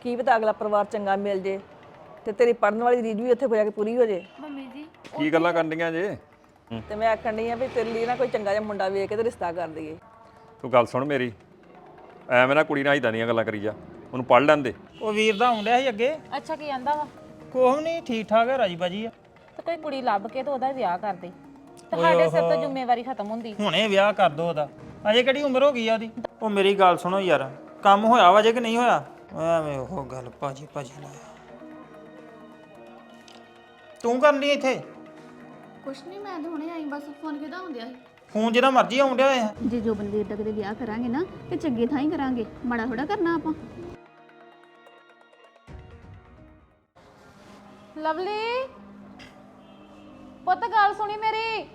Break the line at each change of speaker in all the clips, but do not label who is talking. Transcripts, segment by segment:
ਕੀ ਪਤਾ ਅਗਲਾ ਪਰਿਵਾਰ ਚੰਗਾ ਮਿਲ ਜੇ ਤੇ ਤੇਰੀ ਪੜਨ ਵਾਲੀ ਰੀਝ ਵੀ ਉੱਥੇ ਹੋ ਜਾ ਕੇ ਪੂਰੀ ਹੋ ਜੇ।
ਮੰਮੀ ਜੀ
ਕੀ ਗੱਲਾਂ ਕਰਨੀਆਂ ਜੇ?
ਤੇ ਮੈਂ ਆਖਣ ਡਈ ਆ ਵੀ ਤੇਰੇ ਲਈ ਨਾ ਕੋਈ ਚੰਗਾ ਜਿਹਾ ਮੁੰਡਾ ਵੇਖ ਕੇ ਤੇ ਰਿਸ਼ਤਾ ਕਰ ਦਈਏ।
ਤੂੰ ਗੱਲ ਸੁਣ ਮੇਰੀ, ਐਵੇਂ ਨਾ ਕੁੜੀ ਨਾਲ ਇਦਾਂ ਦੀਆਂ ਗੱਲਾਂ ਕਰੀ ਜਾ, ਉਹਨੂੰ ਪੜ ਲੈਂਦੇ।
ਉਹ ਵੀਰ ਦਾ ਆਉਂਦਿਆ ਸੀ ਅੱਗੇ।
ਅੱਛਾ ਕੀ ਆਂਦਾ ਵਾ?
ਕੋਹ ਨਹੀਂ, ਠੀਕ ਠਾਕ ਹੈ, ਰਾਜੀ ਬਾਜੀ ਆ।
ਤੇ ਕੋਈ ਕੁੜੀ ਲੱਭ ਕੇ ਤੇ ਉਹਦਾ ਵਿਆਹ ਕਰ ਦੇ, ਤੁਹਾਡੇ ਸਿਰ ਤੋਂ ਜ਼ਿੰਮੇਵਾਰੀ ਖਤਮ ਹੁੰਦੀ।
ਹੁਣੇ ਵਿਆਹ ਕਰ ਦੋ ਉਹਦਾ, ਅਜੇ ਕਿਹੜੀ ਉਮਰ ਹੋ ਗਈ ਆ ਉਹਦੀ। ਉਹ ਮੇਰੀ ਗੱਲ ਸੁਣੋ ਯਾਰ, ਕੰਮ ਹੋਇਆ ਵਾ ਜੇ ਕਿ ਨਹੀਂ ਹੋਇਆ? ਐਵੇਂ ਉਹ ਗੱਲ ਭਾਜੀ ਲਾਇਆ। ਤੂੰ ਕਰਨ ਲਈ ਇੱਥੇ?
ਕੁਛ ਨਹੀਂ, ਮੈਂ ਤਾਂ ਹੁਣੇ ਆਈ, ਬਸ ਫੋਨ ਕਿਹਦਾ ਹੁੰਦਿਆ ਸੀ।
ਫੋਨ ਜਿਹੜਾ ਮਰਜ਼ੀ ਆਉਂਦਿਆ ਹੋਇਆ।
ਜੇ ਜੋ ਬੰਦੇ ਏਦਾਂ ਕਦੇ ਵਿਆਹ ਕਰਾਂਗੇ ਨਾ ਤੇ ਚੰਗੇ ਥਾਂ ਹੀ ਕਰਾਂਗੇ, ਮਾੜਾ ਥੋੜਾ ਕਰਨਾ ਆਪਾਂ।
ਲਵਲੀ ਪੁੱਤ ਗੱਲ ਸੁਣੀ ਮੇਰੀ।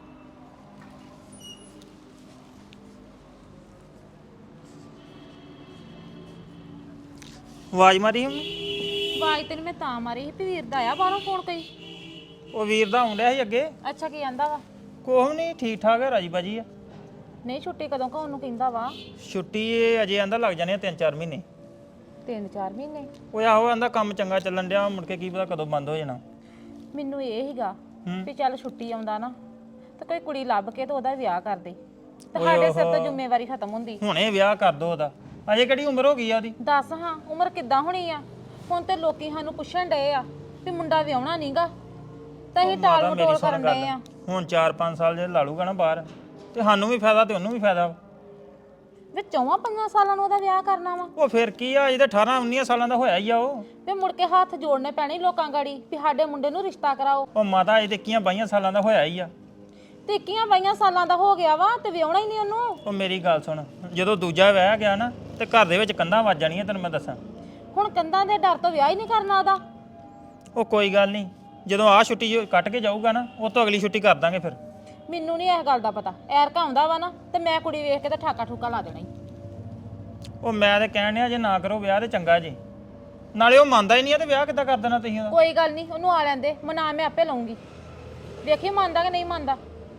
ਆਵਾਜ਼ ਮਾਰੀ ਉਹਨੇ।
ਆਵਾਜ਼ ਤੈਨੂੰ ਮੈਂ ਤਾਂ ਮਾਰੀ ਸੀ ਵੀ ਵੀਰ ਦਾ ਆਇਆ ਬਾਹਰੋਂ ਫੋਨ ਕੋਈ।
ਉਹ ਵੀਰ ਦਾ ਆਉਂਦਿਆ ਸੀ ਅੱਗੇ।
ਅੱਛਾ ਕੀ ਆਂਦਾ ਵਾ?
ਕੋਹ ਨਹੀਂ, ਠੀਕ ਠਾਕ ਹੈ, ਰਾਜੀ ਬਾਜੀ ਆ।
ਨਹੀਂ ਛੁੱਟੀ ਕਦੋਂ ਕਾ ਉਹਨੂੰ ਕਹਿੰਦਾ ਵਾ?
ਛੁੱਟੀ ਇਹ ਅਜੇ ਆਂਦਾ ਲੱਗ ਜਾਣੇ ਆ 3-4 ਮਹੀਨੇ।
3-4 ਮਹੀਨੇ?
ਉਹ ਆਹੋ ਆਂਦਾ ਕੰਮ ਚੰਗਾ ਚੱਲਣ ਡਿਆ, ਮੁੜ ਕੇ ਕੀ ਪਤਾ ਕਦੋਂ ਬੰਦ ਹੋ ਜਾਣਾ।
ਮੈਨੂੰ ਇਹ ਹੀਗਾ ਵੀ ਚੱਲ ਛੁੱਟੀ ਆਉਂਦਾ ਨਾ ਤੇ ਕੋਈ ਕੁੜੀ ਲੱਭ ਕੇ ਤੇ ਉਹਦਾ ਵਿਆਹ ਕਰ ਦੇ, ਤੁਹਾਡੇ ਸਿਰ ਤੋਂ ਜ਼ਿੰਮੇਵਾਰੀ ਖਤਮ ਹੁੰਦੀ।
ਹੁਣੇ ਵਿਆਹ ਕਰ ਦੋ ਉਹਦਾ, ਅਜੇ ਕਿਹੜੀ ਉਮਰ ਹੋ ਗਈ ਆ ਉਹਦੀ।
ਦੱਸ ਹਾਂ ਉਮਰ ਕਿੱਦਾਂ ਹੋਣੀ ਆ? ਹੁਣ ਤੇ ਲੋਕੀ ਸਾਨੂੰ ਪੁੱਛਣ ਡਏ ਆ ਵੀ ਮੁੰਡਾ ਵਿਆਹਣਾ ਨਹੀਂਗਾ ਤਾਂ ਅਸੀਂ ਟਾਲ ਮਟੋਲ ਕਰਨ ਡਏ ਆ।
ਹੁਣ 4-5 ਸਾਲ ਜੇ ਲਾ ਲੂਗਾ ਨਾ ਬਾਹਰ, ਤੇ ਸਾਨੂੰ ਵੀ ਫਾਇਦਾ ਤੇ ਉਹਨੂੰ ਵੀ ਫਾਇਦਾ।
ਵੀ 4-5 ਸਾਲਾਂ ਨੂੰ ਉਹਦਾ ਵਿਆਹ ਕਰਨਾ ਵਾ?
ਉਹ ਫਿਰ ਕੀ ਆ, ਅਜੇ ਤਾਂ 18-19 ਸਾਲਾਂ ਦਾ ਹੋਇਆ ਹੀ ਆ ਉਹ।
ਤੇ ਮੁੜ ਕੇ ਹੱਥ ਜੋੜਨੇ ਪੈਣੇ ਲੋਕਾਂ ਗਾੜੀ ਵੀ ਸਾਡੇ ਮੁੰਡੇ ਨੂੰ ਰਿਸ਼ਤਾ ਕਰਾਓ।
ਉਹ ਮਾਤਾ ਅਜੇ ਤੇ 21-22 ਸਾਲਾਂ ਦਾ ਹੋਇਆ ਹੀ ਆ।
ਤੇ 21-22 ਸਾਲਾਂ ਦਾ ਹੋ ਗਿਆ ਵਾ ਤੇ ਵਿਆਹਣਾ ਹੀ ਨਹੀਂ ਉਹਨੂੰ।
ਉਹ ਮੇਰੀ ਗੱਲ ਸੁਣ, ਜਦੋਂ ਦੂਜਾ ਵਿਆਹ ਗਿਆ ਨਾ ਤੇ ਘਰ ਦੇ ਵਿੱਚ ਕੰਧਾਂ ਵੱਜ ਜਾਣੀਆਂ, ਤੈਨੂੰ ਮੈਂ ਦੱਸਾਂ।
ਹੁਣ ਕੰਧਾਂ ਦੇ ਡਰ ਤੋਂ ਵਿਆਹ ਹੀ ਨਹੀਂ ਕਰਨਾ ਉਹਦਾ।
ਉਹ ਕੋਈ ਗੱਲ ਨਹੀਂ, ਜਦੋਂ ਆਹ ਛੁੱਟੀ ਕੱਟ ਕੇ ਜਾਊਗਾ ਨਾ, ਉਹ ਤੋਂ ਅਗਲੀ ਛੁੱਟੀ ਕਰ ਦਾਂਗੇ ਫਿਰ।
ਮੈਨੂੰ ਨਹੀਂ ਇਸ ਗੱਲ ਦਾ ਪਤਾ, ਐਰਕਾ ਆਉਂਦਾ ਵਾ ਨਾ ਤੇ ਮੈਂ ਕੁੜੀ ਵੇਖ ਕੇ ਤਾਂ ਠਾਕਾ ਠੂਕਾ ਲਾ ਦੇਣਾ ਹੀ।
ਉਹ ਮੈਂ ਤੇ ਕਹਿਣ ਡਿਆ ਜੇ ਨਾ ਕਰੋ ਵਿਆਹ ਤੇ ਚੰਗਾ ਜੀ, ਨਾਲੇ ਉਹ ਮੰਨਦਾ ਹੀ ਨਹੀਂ ਆ ਤੇ ਵਿਆਹ ਕਿੱਦਾਂ ਕਰ ਦੇਣਾ ਤੁਸੀਂ ਉਹਦਾ?
ਕੋਈ ਗੱਲ ਨਹੀਂ, ਉਹਨੂੰ ਆ ਲੈਂਦੇ, ਮਨਾ ਮੈਂ ਆਪੇ ਲਊਂਗੀ, ਵੇਖੀ ਮੰਨਦਾ ਕਿ ਨਹੀਂ ਮੰਨਦਾ।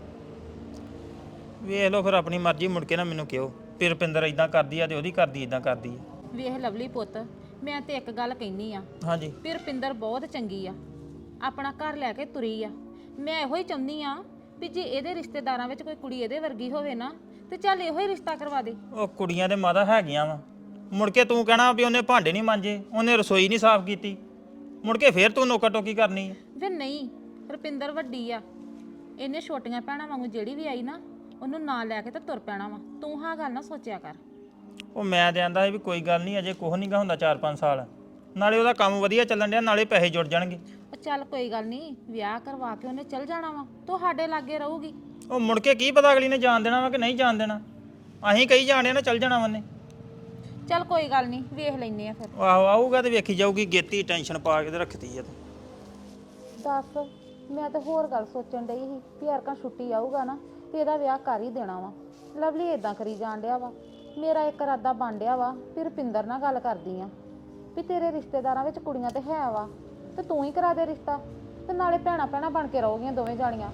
ਵੇਖ ਲਓ ਫਿਰ ਆਪਣੀ ਮਰਜ਼ੀ, ਮੁੜ ਕੇ ਨਾ ਮੈਨੂੰ ਕਿਹੋ ਵੀ ਰੁਪਿੰਦਰ ਇਦਾਂ ਕਰਦੀ ਆ ਤੇ ਉਹਦੀ ਕਰਦੀ ਇਦਾਂ ਕਰਦੀ ਆ।
ਵੇਖ ਲਵਲੀ ਪੁੱਤ, ਮੈਂ ਤੇ ਇੱਕ ਗੱਲ ਕਹਿਨੀ ਆ
ਹਾਂਜੀ।
ਵੀ ਰੁਪਿੰਦਰ ਬਹੁਤ ਚੰਗੀ ਆ, ਆਪਣਾ ਘਰ ਲੈ ਕੇ ਤੁਰੀ ਆ। ਮੈਂ ਇਹੋ ਹੀ ਚਾਹੁੰਦੀ ਆ ਵੀ ਜੇ ਇਹਦੇ ਰਿਸ਼ਤੇਦਾਰਾਂ ਵਿੱਚ ਕੋਈ ਕੁੜੀ ਇਹਦੇ ਵਰਗੀ ਹੋਵੇ ਨਾ ਤੇ ਚੱਲ ਇਹੋ ਹੀ ਰਿਸ਼ਤਾ ਕਰਵਾ ਦੇ।
ਉਹ ਕੁੜੀਆਂ ਦੇ ਮਾਤਾ ਹੈਗੀਆਂ ਵਾ, ਮੁੜ ਕੇ ਤੂੰ ਕਹਿਣਾ ਵੀ ਉਹਨੇ ਭਾਂਡੇ ਨਹੀਂ ਮਾਂਜੇ, ਉਹਨੇ ਰਸੋਈ ਨਹੀਂ ਸਾਫ਼ ਕੀਤੀ, ਮੁੜ ਕੇ ਫੇਰ ਤੂੰ ਨੋਕਾ ਟੋਕੀ ਕਰਨੀ ਆ।
ਵੇ ਨਹੀਂ, ਰੁਪਿੰਦਰ ਵੱਡੀ ਆ, ਇਹਨੇ ਛੋਟੀਆਂ ਭੈਣਾਂ ਵਾਂਗੂ ਜਿਹੜੀ ਵੀ ਆਈ ਨਾ ਉਹਨੂੰ ਨਾਲ ਲੈ ਕੇ ਤੇ ਤੁਰ ਪੈਣਾ ਵਾ। ਤੂੰ ਹਾਂ ਗੱਲ ਨਾ ਸੋਚਿਆ ਕਰ।
ਉਹ ਮੈਂ ਤੇ ਆਂਦਾ ਸੀ ਵੀ ਕੋਈ ਗੱਲ ਨਹੀਂ, ਅਜੇ ਕੁਛ ਨਹੀਂ ਗਾ ਹੁੰਦਾ 4-5 ਸਾਲ, ਨਾਲੇ ਉਹਦਾ ਕੰਮ ਵਧੀਆ ਚੱਲਣ ਡਿਆ, ਨਾਲੇ ਪੈਸੇ ਜੁੜ ਜਾਣਗੇ।
ਉਹ ਚੱਲ ਕੋਈ ਗੱਲ ਨਹੀਂ, ਵਿਆਹ ਕਰਵਾ ਕੇ ਉਹਨੇ ਚੱਲ ਜਾਣਾ ਵਾ, ਤੁਹਾਡੇ ਲਾਗੇ ਰਹੂਗੀ।
ਉਹ ਮੁੜ ਕੇ ਕੀ ਪਤਾ ਅਗਲੀ ਨੇ ਜਾਣ ਦੇਣਾ ਵਾ ਕਿ ਨਹੀਂ ਜਾਣ ਦੇਣਾ, ਅਸੀਂ ਕਹੀ ਜਾਣਿਆ ਨਾ ਚੱਲ ਜਾਣਾ ਉਹਨੇ।
ਚੱਲ ਕੋਈ ਗੱਲ ਨਹੀਂ, ਵੇਖ ਲੈਨੇ ਆ ਫਿਰ।
ਆਹੋ ਆਊਗਾ ਤੇ ਵੇਖੀ ਜਾਊਗੀ, ਗੇਤੀ ਟੈਨਸ਼ਨ ਪਾ ਕੇ ਤੇ ਰੱਖਤੀ ਆ ਤੂੰ।
ਦੱਸ, ਮੈਂ ਤਾਂ ਹੋਰ ਗੱਲ ਸੋਚਣ ਡਈ ਸੀ ਵੀ ਯਾਰਕਾਂ ਛੁੱਟੀ ਆਊਗਾ ਨਾ ਤੇ ਇਹਦਾ ਵਿਆਹ ਕਰ ਹੀ ਦੇਣਾ ਵਾ। ਲਵਲੀ ਇਦਾਂ ਕਰੀ ਜਾਣ ਡਿਆ ਵਾ। ਮੇਰਾ ਇੱਕ ਇਰਾਦਾ ਬਣ ਡਿਆ ਵਾ ਵੀ ਰੁਪਿੰਦਰ ਨਾਲ ਗੱਲ ਕਰਦੀ ਆ ਵੀ ਤੇਰੇ ਰਿਸ਼ਤੇਦਾਰਾਂ ਵਿੱਚ ਕੁੜੀਆਂ ਤੇ ਹੈ ਵਾ ਤੇ ਤੂੰ ਹੀ ਕਰਾ ਦੇ ਰਿਸ਼ਤਾ, ਤੇ ਨਾਲੇ ਭੈਣਾਂ ਭੈਣਾਂ ਬਣ ਕੇ ਰਹੋਗੀਆਂ ਦੋਵੇਂ ਜਾਣੀਆਂ।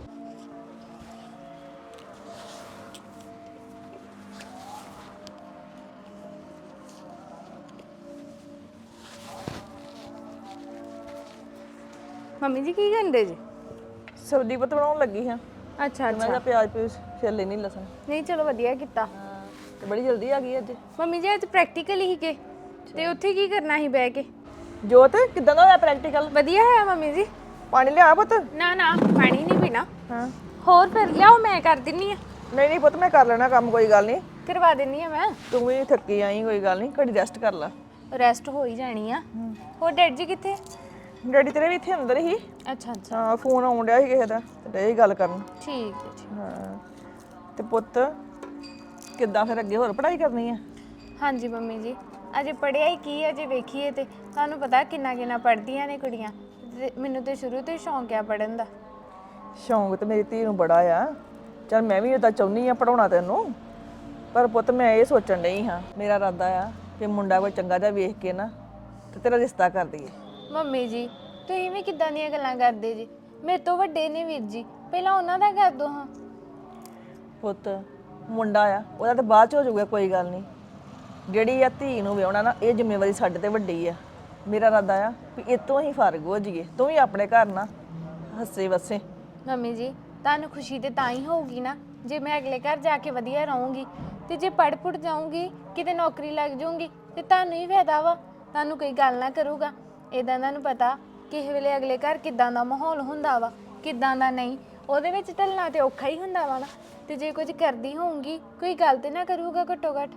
ਮੰਮੀ ਜੀ ਕੀ ਕਰਦੇ ਜੀ?
ਸਬਜ਼ੀ ਪਤ ਬਣਾਉਣ ਲੱਗੀ ਹਾਂ।
ਅੱਛਾ
ਮੈਂ ਤਾਂ ਪਿਆਜ਼ ਪੀਸ ਛਿੱਲ ਲੈਣੀ, ਲਸਣ।
ਨਹੀਂ ਚਲੋ ਵਧੀਆ ਕੀਤਾ।
ਤੇ ਬੜੀ ਜਲਦੀ ਆ ਗਈ ਅੱਜ।
ਮੰਮੀ ਜੀ ਅੱਜ ਪ੍ਰੈਕਟੀਕਲ ਹੀ ਕੇ ਤੇ ਉੱਥੇ ਕੀ ਕਰਨਾ ਸੀ ਬਹਿ ਕੇ?
ਜੋਤ ਕਿਦਾਂ ਦਾ ਹੋਇਆ ਪ੍ਰੈਕਟੀਕਲ?
ਵਧੀਆ ਹੋਇਆ ਮੰਮੀ ਜੀ।
ਪਾਣੀ ਲਿਆ ਪੁੱਤ?
ਨਾ ਨਾ ਪਾਣੀ ਨਹੀਂ ਪੀਣਾ।
ਹਾਂ
ਹੋਰ ਫਿਰ ਲਿਆਓ, ਮੈਂ ਕਰ ਦਿੰਨੀ ਆ।
ਨਹੀਂ ਨਹੀਂ ਪੁੱਤ, ਮੈਂ ਕਰ ਲੈਣਾ ਕੰਮ, ਕੋਈ ਗੱਲ ਨਹੀਂ।
ਕਰਵਾ ਦਿੰਨੀ ਆ ਮੈਂ।
ਤੂੰ ਵੀ ਥੱਕੀ ਆਈ, ਕੋਈ ਗੱਲ ਨਹੀਂ, ਘੜੀ ਰੈਸਟ ਕਰ ਲੈ।
ਰੈਸਟ ਹੋ ਹੀ ਜਾਣੀ ਆ। ਹੋਰ ਡੈਡ ਜੀ ਕਿੱਥੇ?
ਡੈਡੀ ਤੇਰੇ ਵੀ ਇੱਥੇ ਅੰਦਰ ਹੀ।
ਅੱਛਾ ਅੱਛਾ
ਹਾਂ, ਫੋਨ ਆਉਣ ਡਿਆ ਸੀ ਕਿਸੇ ਦਾ ਤੇ ਇਹ ਗੱਲ ਕਰਨ।
ਠੀਕ ਹੈ ਜੀ।
ਹਾਂ ਤੇ ਪੁੱਤ ਕਿੱਦਾਂ ਫਿਰ ਅੱਗੇ ਹੋਰ ਪੜ੍ਹਾਈ ਕਰਨੀ ਆ?
ਹਾਂਜੀ ਮੰਮੀ ਜੀ, ਅਜੇ ਪੜ੍ਹਿਆ ਹੀ ਕੀ ਹੈ, ਜੇ ਵੇਖੀਏ ਤੇ ਤੁਹਾਨੂੰ ਪਤਾ ਕਿੰਨਾ ਕਿੰਨਾ ਪੜ੍ਹਦੀਆਂ ਨੇ ਕੁੜੀਆਂ। ਮੈਨੂੰ ਤੇ ਸ਼ੁਰੂ ਤੋਂ ਹੀ ਸ਼ੌਂਕ ਆ ਪੜ੍ਹਨ ਦਾ।
ਸ਼ੌਂਕ ਤੇ ਮੇਰੀ ਧੀ ਨੂੰ ਬੜਾ ਆ। ਚਲ ਮੈਂ ਵੀ ਉਦਾਂ ਚਾਹੁੰਦੀ ਆ ਪੜਾਉਣਾ ਤੈਨੂੰ, ਪਰ ਪੁੱਤ ਮੈਂ ਇਹ ਸੋਚਣ ਡਈ ਹਾਂ, ਮੇਰਾ ਇਰਾਦਾ ਆ ਕਿ ਮੁੰਡਾ ਕੋਈ ਚੰਗਾ ਜਿਹਾ ਵੇਖ ਕੇ ਨਾ ਤੇ ਤੇਰਾ ਰਿਸ਼ਤਾ ਕਰ ਦਈਏ।
ਮੰਮੀ ਜੀ ਤੁਸੀਂ ਵੀ ਕਿੱਦਾਂ ਦੀਆਂ ਗੱਲਾਂ ਕਰਦੇ ਜੀ? ਮੇਰੇ ਤੋਂ ਵੱਡੇ ਨੇ ਵੀਰ ਜੀ, ਪਹਿਲਾਂ ਉਹਨਾਂ ਦਾ ਕਰ ਦੋ ਹਾਂ।
ਪੁੱਤ ਮੁੰਡਾ ਆ, ਉਹਦਾ ਤਾਂ ਬਾਅਦ ਚ ਹੋ ਜਾਊਗਾ, ਕੋਈ ਗੱਲ ਨਹੀਂ। ਜਿਹੜੀ ਆ ਧੀ ਨੂੰ ਵਿਆਹੁਣਾ ਨਾ, ਇਹ ਜ਼ਿੰਮੇਵਾਰੀ ਸਾਡੇ ਤੇ ਵੱਡੀ ਆ। ਮੇਰਾ ਇਰਾਦਾ ਆ ਵੀ ਇਤੋਂ ਹੀ ਫਰਕ ਹੋ ਜਾਈਏ, ਤੂੰ ਵੀ ਆਪਣੇ ਘਰ ਨਾ ਹੱਸੇ ਵਸੇ।
ਮੰਮੀ ਜੀ ਤੁਹਾਨੂੰ ਖੁਸ਼ੀ ਤੇ ਤਾਂ ਹੀ ਹੋਊਗੀ ਨਾ ਜੇ ਮੈਂ ਅਗਲੇ ਘਰ ਜਾ ਕੇ ਵਧੀਆ ਰਹੂੰਗੀ, ਤੇ ਜੇ ਪੜ ਪੁੜ ਜਾਊਂਗੀ ਕਿਤੇ ਨੌਕਰੀ ਲੱਗ ਜਾਊਂਗੀ ਤੇ ਤੁਹਾਨੂੰ ਹੀ ਫਾਇਦਾ ਵਾ, ਤੁਹਾਨੂੰ ਕੋਈ ਗੱਲ ਨਾ ਕਰੂਗਾ। ਇਦਾਂ ਤੁਹਾਨੂੰ ਪਤਾ ਕਿਸੇ ਵੇਲੇ ਅਗਲੇ ਘਰ ਕਿੱਦਾਂ ਦਾ ਮਾਹੌਲ ਹੁੰਦਾ ਵਾ, ਕਿੱਦਾਂ ਦਾ ਨਹੀਂ, ਉਹਦੇ ਵਿੱਚ ਢਲਣਾ ਤੇ ਔਖਾ ਹੀ ਹੁੰਦਾ ਵਾ ਨਾ। ਤੇ ਜੇ ਕੁਝ ਕਰਦੀ ਹੋਊਂਗੀ ਕੋਈ ਗੱਲ ਤੇ ਨਾ ਕਰੂਗਾ ਘੱਟੋ ਘੱਟ।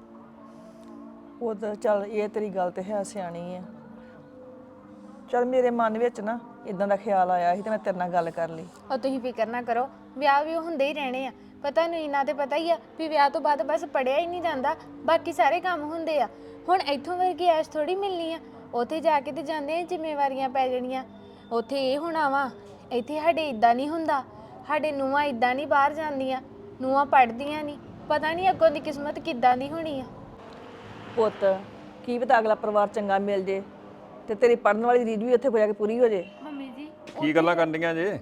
ਉਹ ਤਾਂ ਚੱਲ ਇਹ ਤੇਰੀ ਗੱਲ ਤੇ ਹੈ ਸਿਆਣੀ ਆ। ਚੱਲ ਮੇਰੇ ਮਨ ਵਿੱਚ ਨਾ ਇਦਾਂ ਦਾ ਖਿਆਲ ਆਇਆ ਸੀ ਤੇ ਮੈਂ ਤੇਰੇ ਨਾਲ ਗੱਲ ਕਰ ਲਈ।
ਉਹ ਤੁਸੀਂ ਫਿਕਰ ਨਾ ਕਰੋ, ਵਿਆਹ ਵੀ ਹੁੰਦੇ ਹੀ ਰਹਿਣੇ ਆ। ਪਤਾ ਨਹੀਂ ਇਹਨਾਂ ਤੇ ਪਤਾ ਹੀ ਆ ਵੀ ਵਿਆਹ ਤੋਂ ਬਾਅਦ ਬਸ ਪੜਿਆ ਹੀ ਨਹੀਂ ਜਾਂਦਾ, ਬਾਕੀ ਸਾਰੇ ਕੰਮ ਹੁੰਦੇ ਆ। ਹੁਣ ਇੱਥੋਂ ਵਰਗੀ ਐਸ਼ ਥੋੜੀ ਮਿਲਣੀ ਆ, ਉੱਥੇ ਜਾ ਕੇ ਤੇ ਜਾਂਦੇ ਆ ਜ਼ਿੰਮੇਵਾਰੀਆਂ ਪੈ ਜਾਣੀਆਂ। ਉੱਥੇ ਇਹ ਹੋਣਾ ਵਾ, ਇੱਥੇ ਸਾਡੇ ਇਦਾਂ ਨਹੀਂ ਹੁੰਦਾ, ਸਾਡੇ ਨੂੰਹਾਂ ਇਦਾਂ ਨਹੀਂ ਬਾਹਰ ਜਾਂਦੀਆਂ, ਨੂੰਹਾਂ ਪੜ੍ਹਦੀਆਂ ਨਹੀਂ, ਪਤਾ ਨਹੀਂ ਅੱਗੋਂ ਦੀ ਕਿਸਮਤ ਕਿੱਦਾਂ ਦੀ ਹੋਣੀ ਆ।
ਪੁੱਤ ਕੀ ਪਤਾ ਅਗਲਾ ਪਰਿਵਾਰ ਚੰਗਾ ਮਿਲ ਜੇ ਤੇ ਤੇਰੀ ਪੜਨ ਵਾਲੀ ਰੀਝ ਵੀ ਉੱਥੇ ਹੋ ਜਾ ਕੇ ਪੂਰੀ ਹੋ ਜੇ।
ਮੰਮੀ ਜੀ
ਕੀ ਗੱਲਾਂ ਕਰਨੀਆਂ ਜੇ?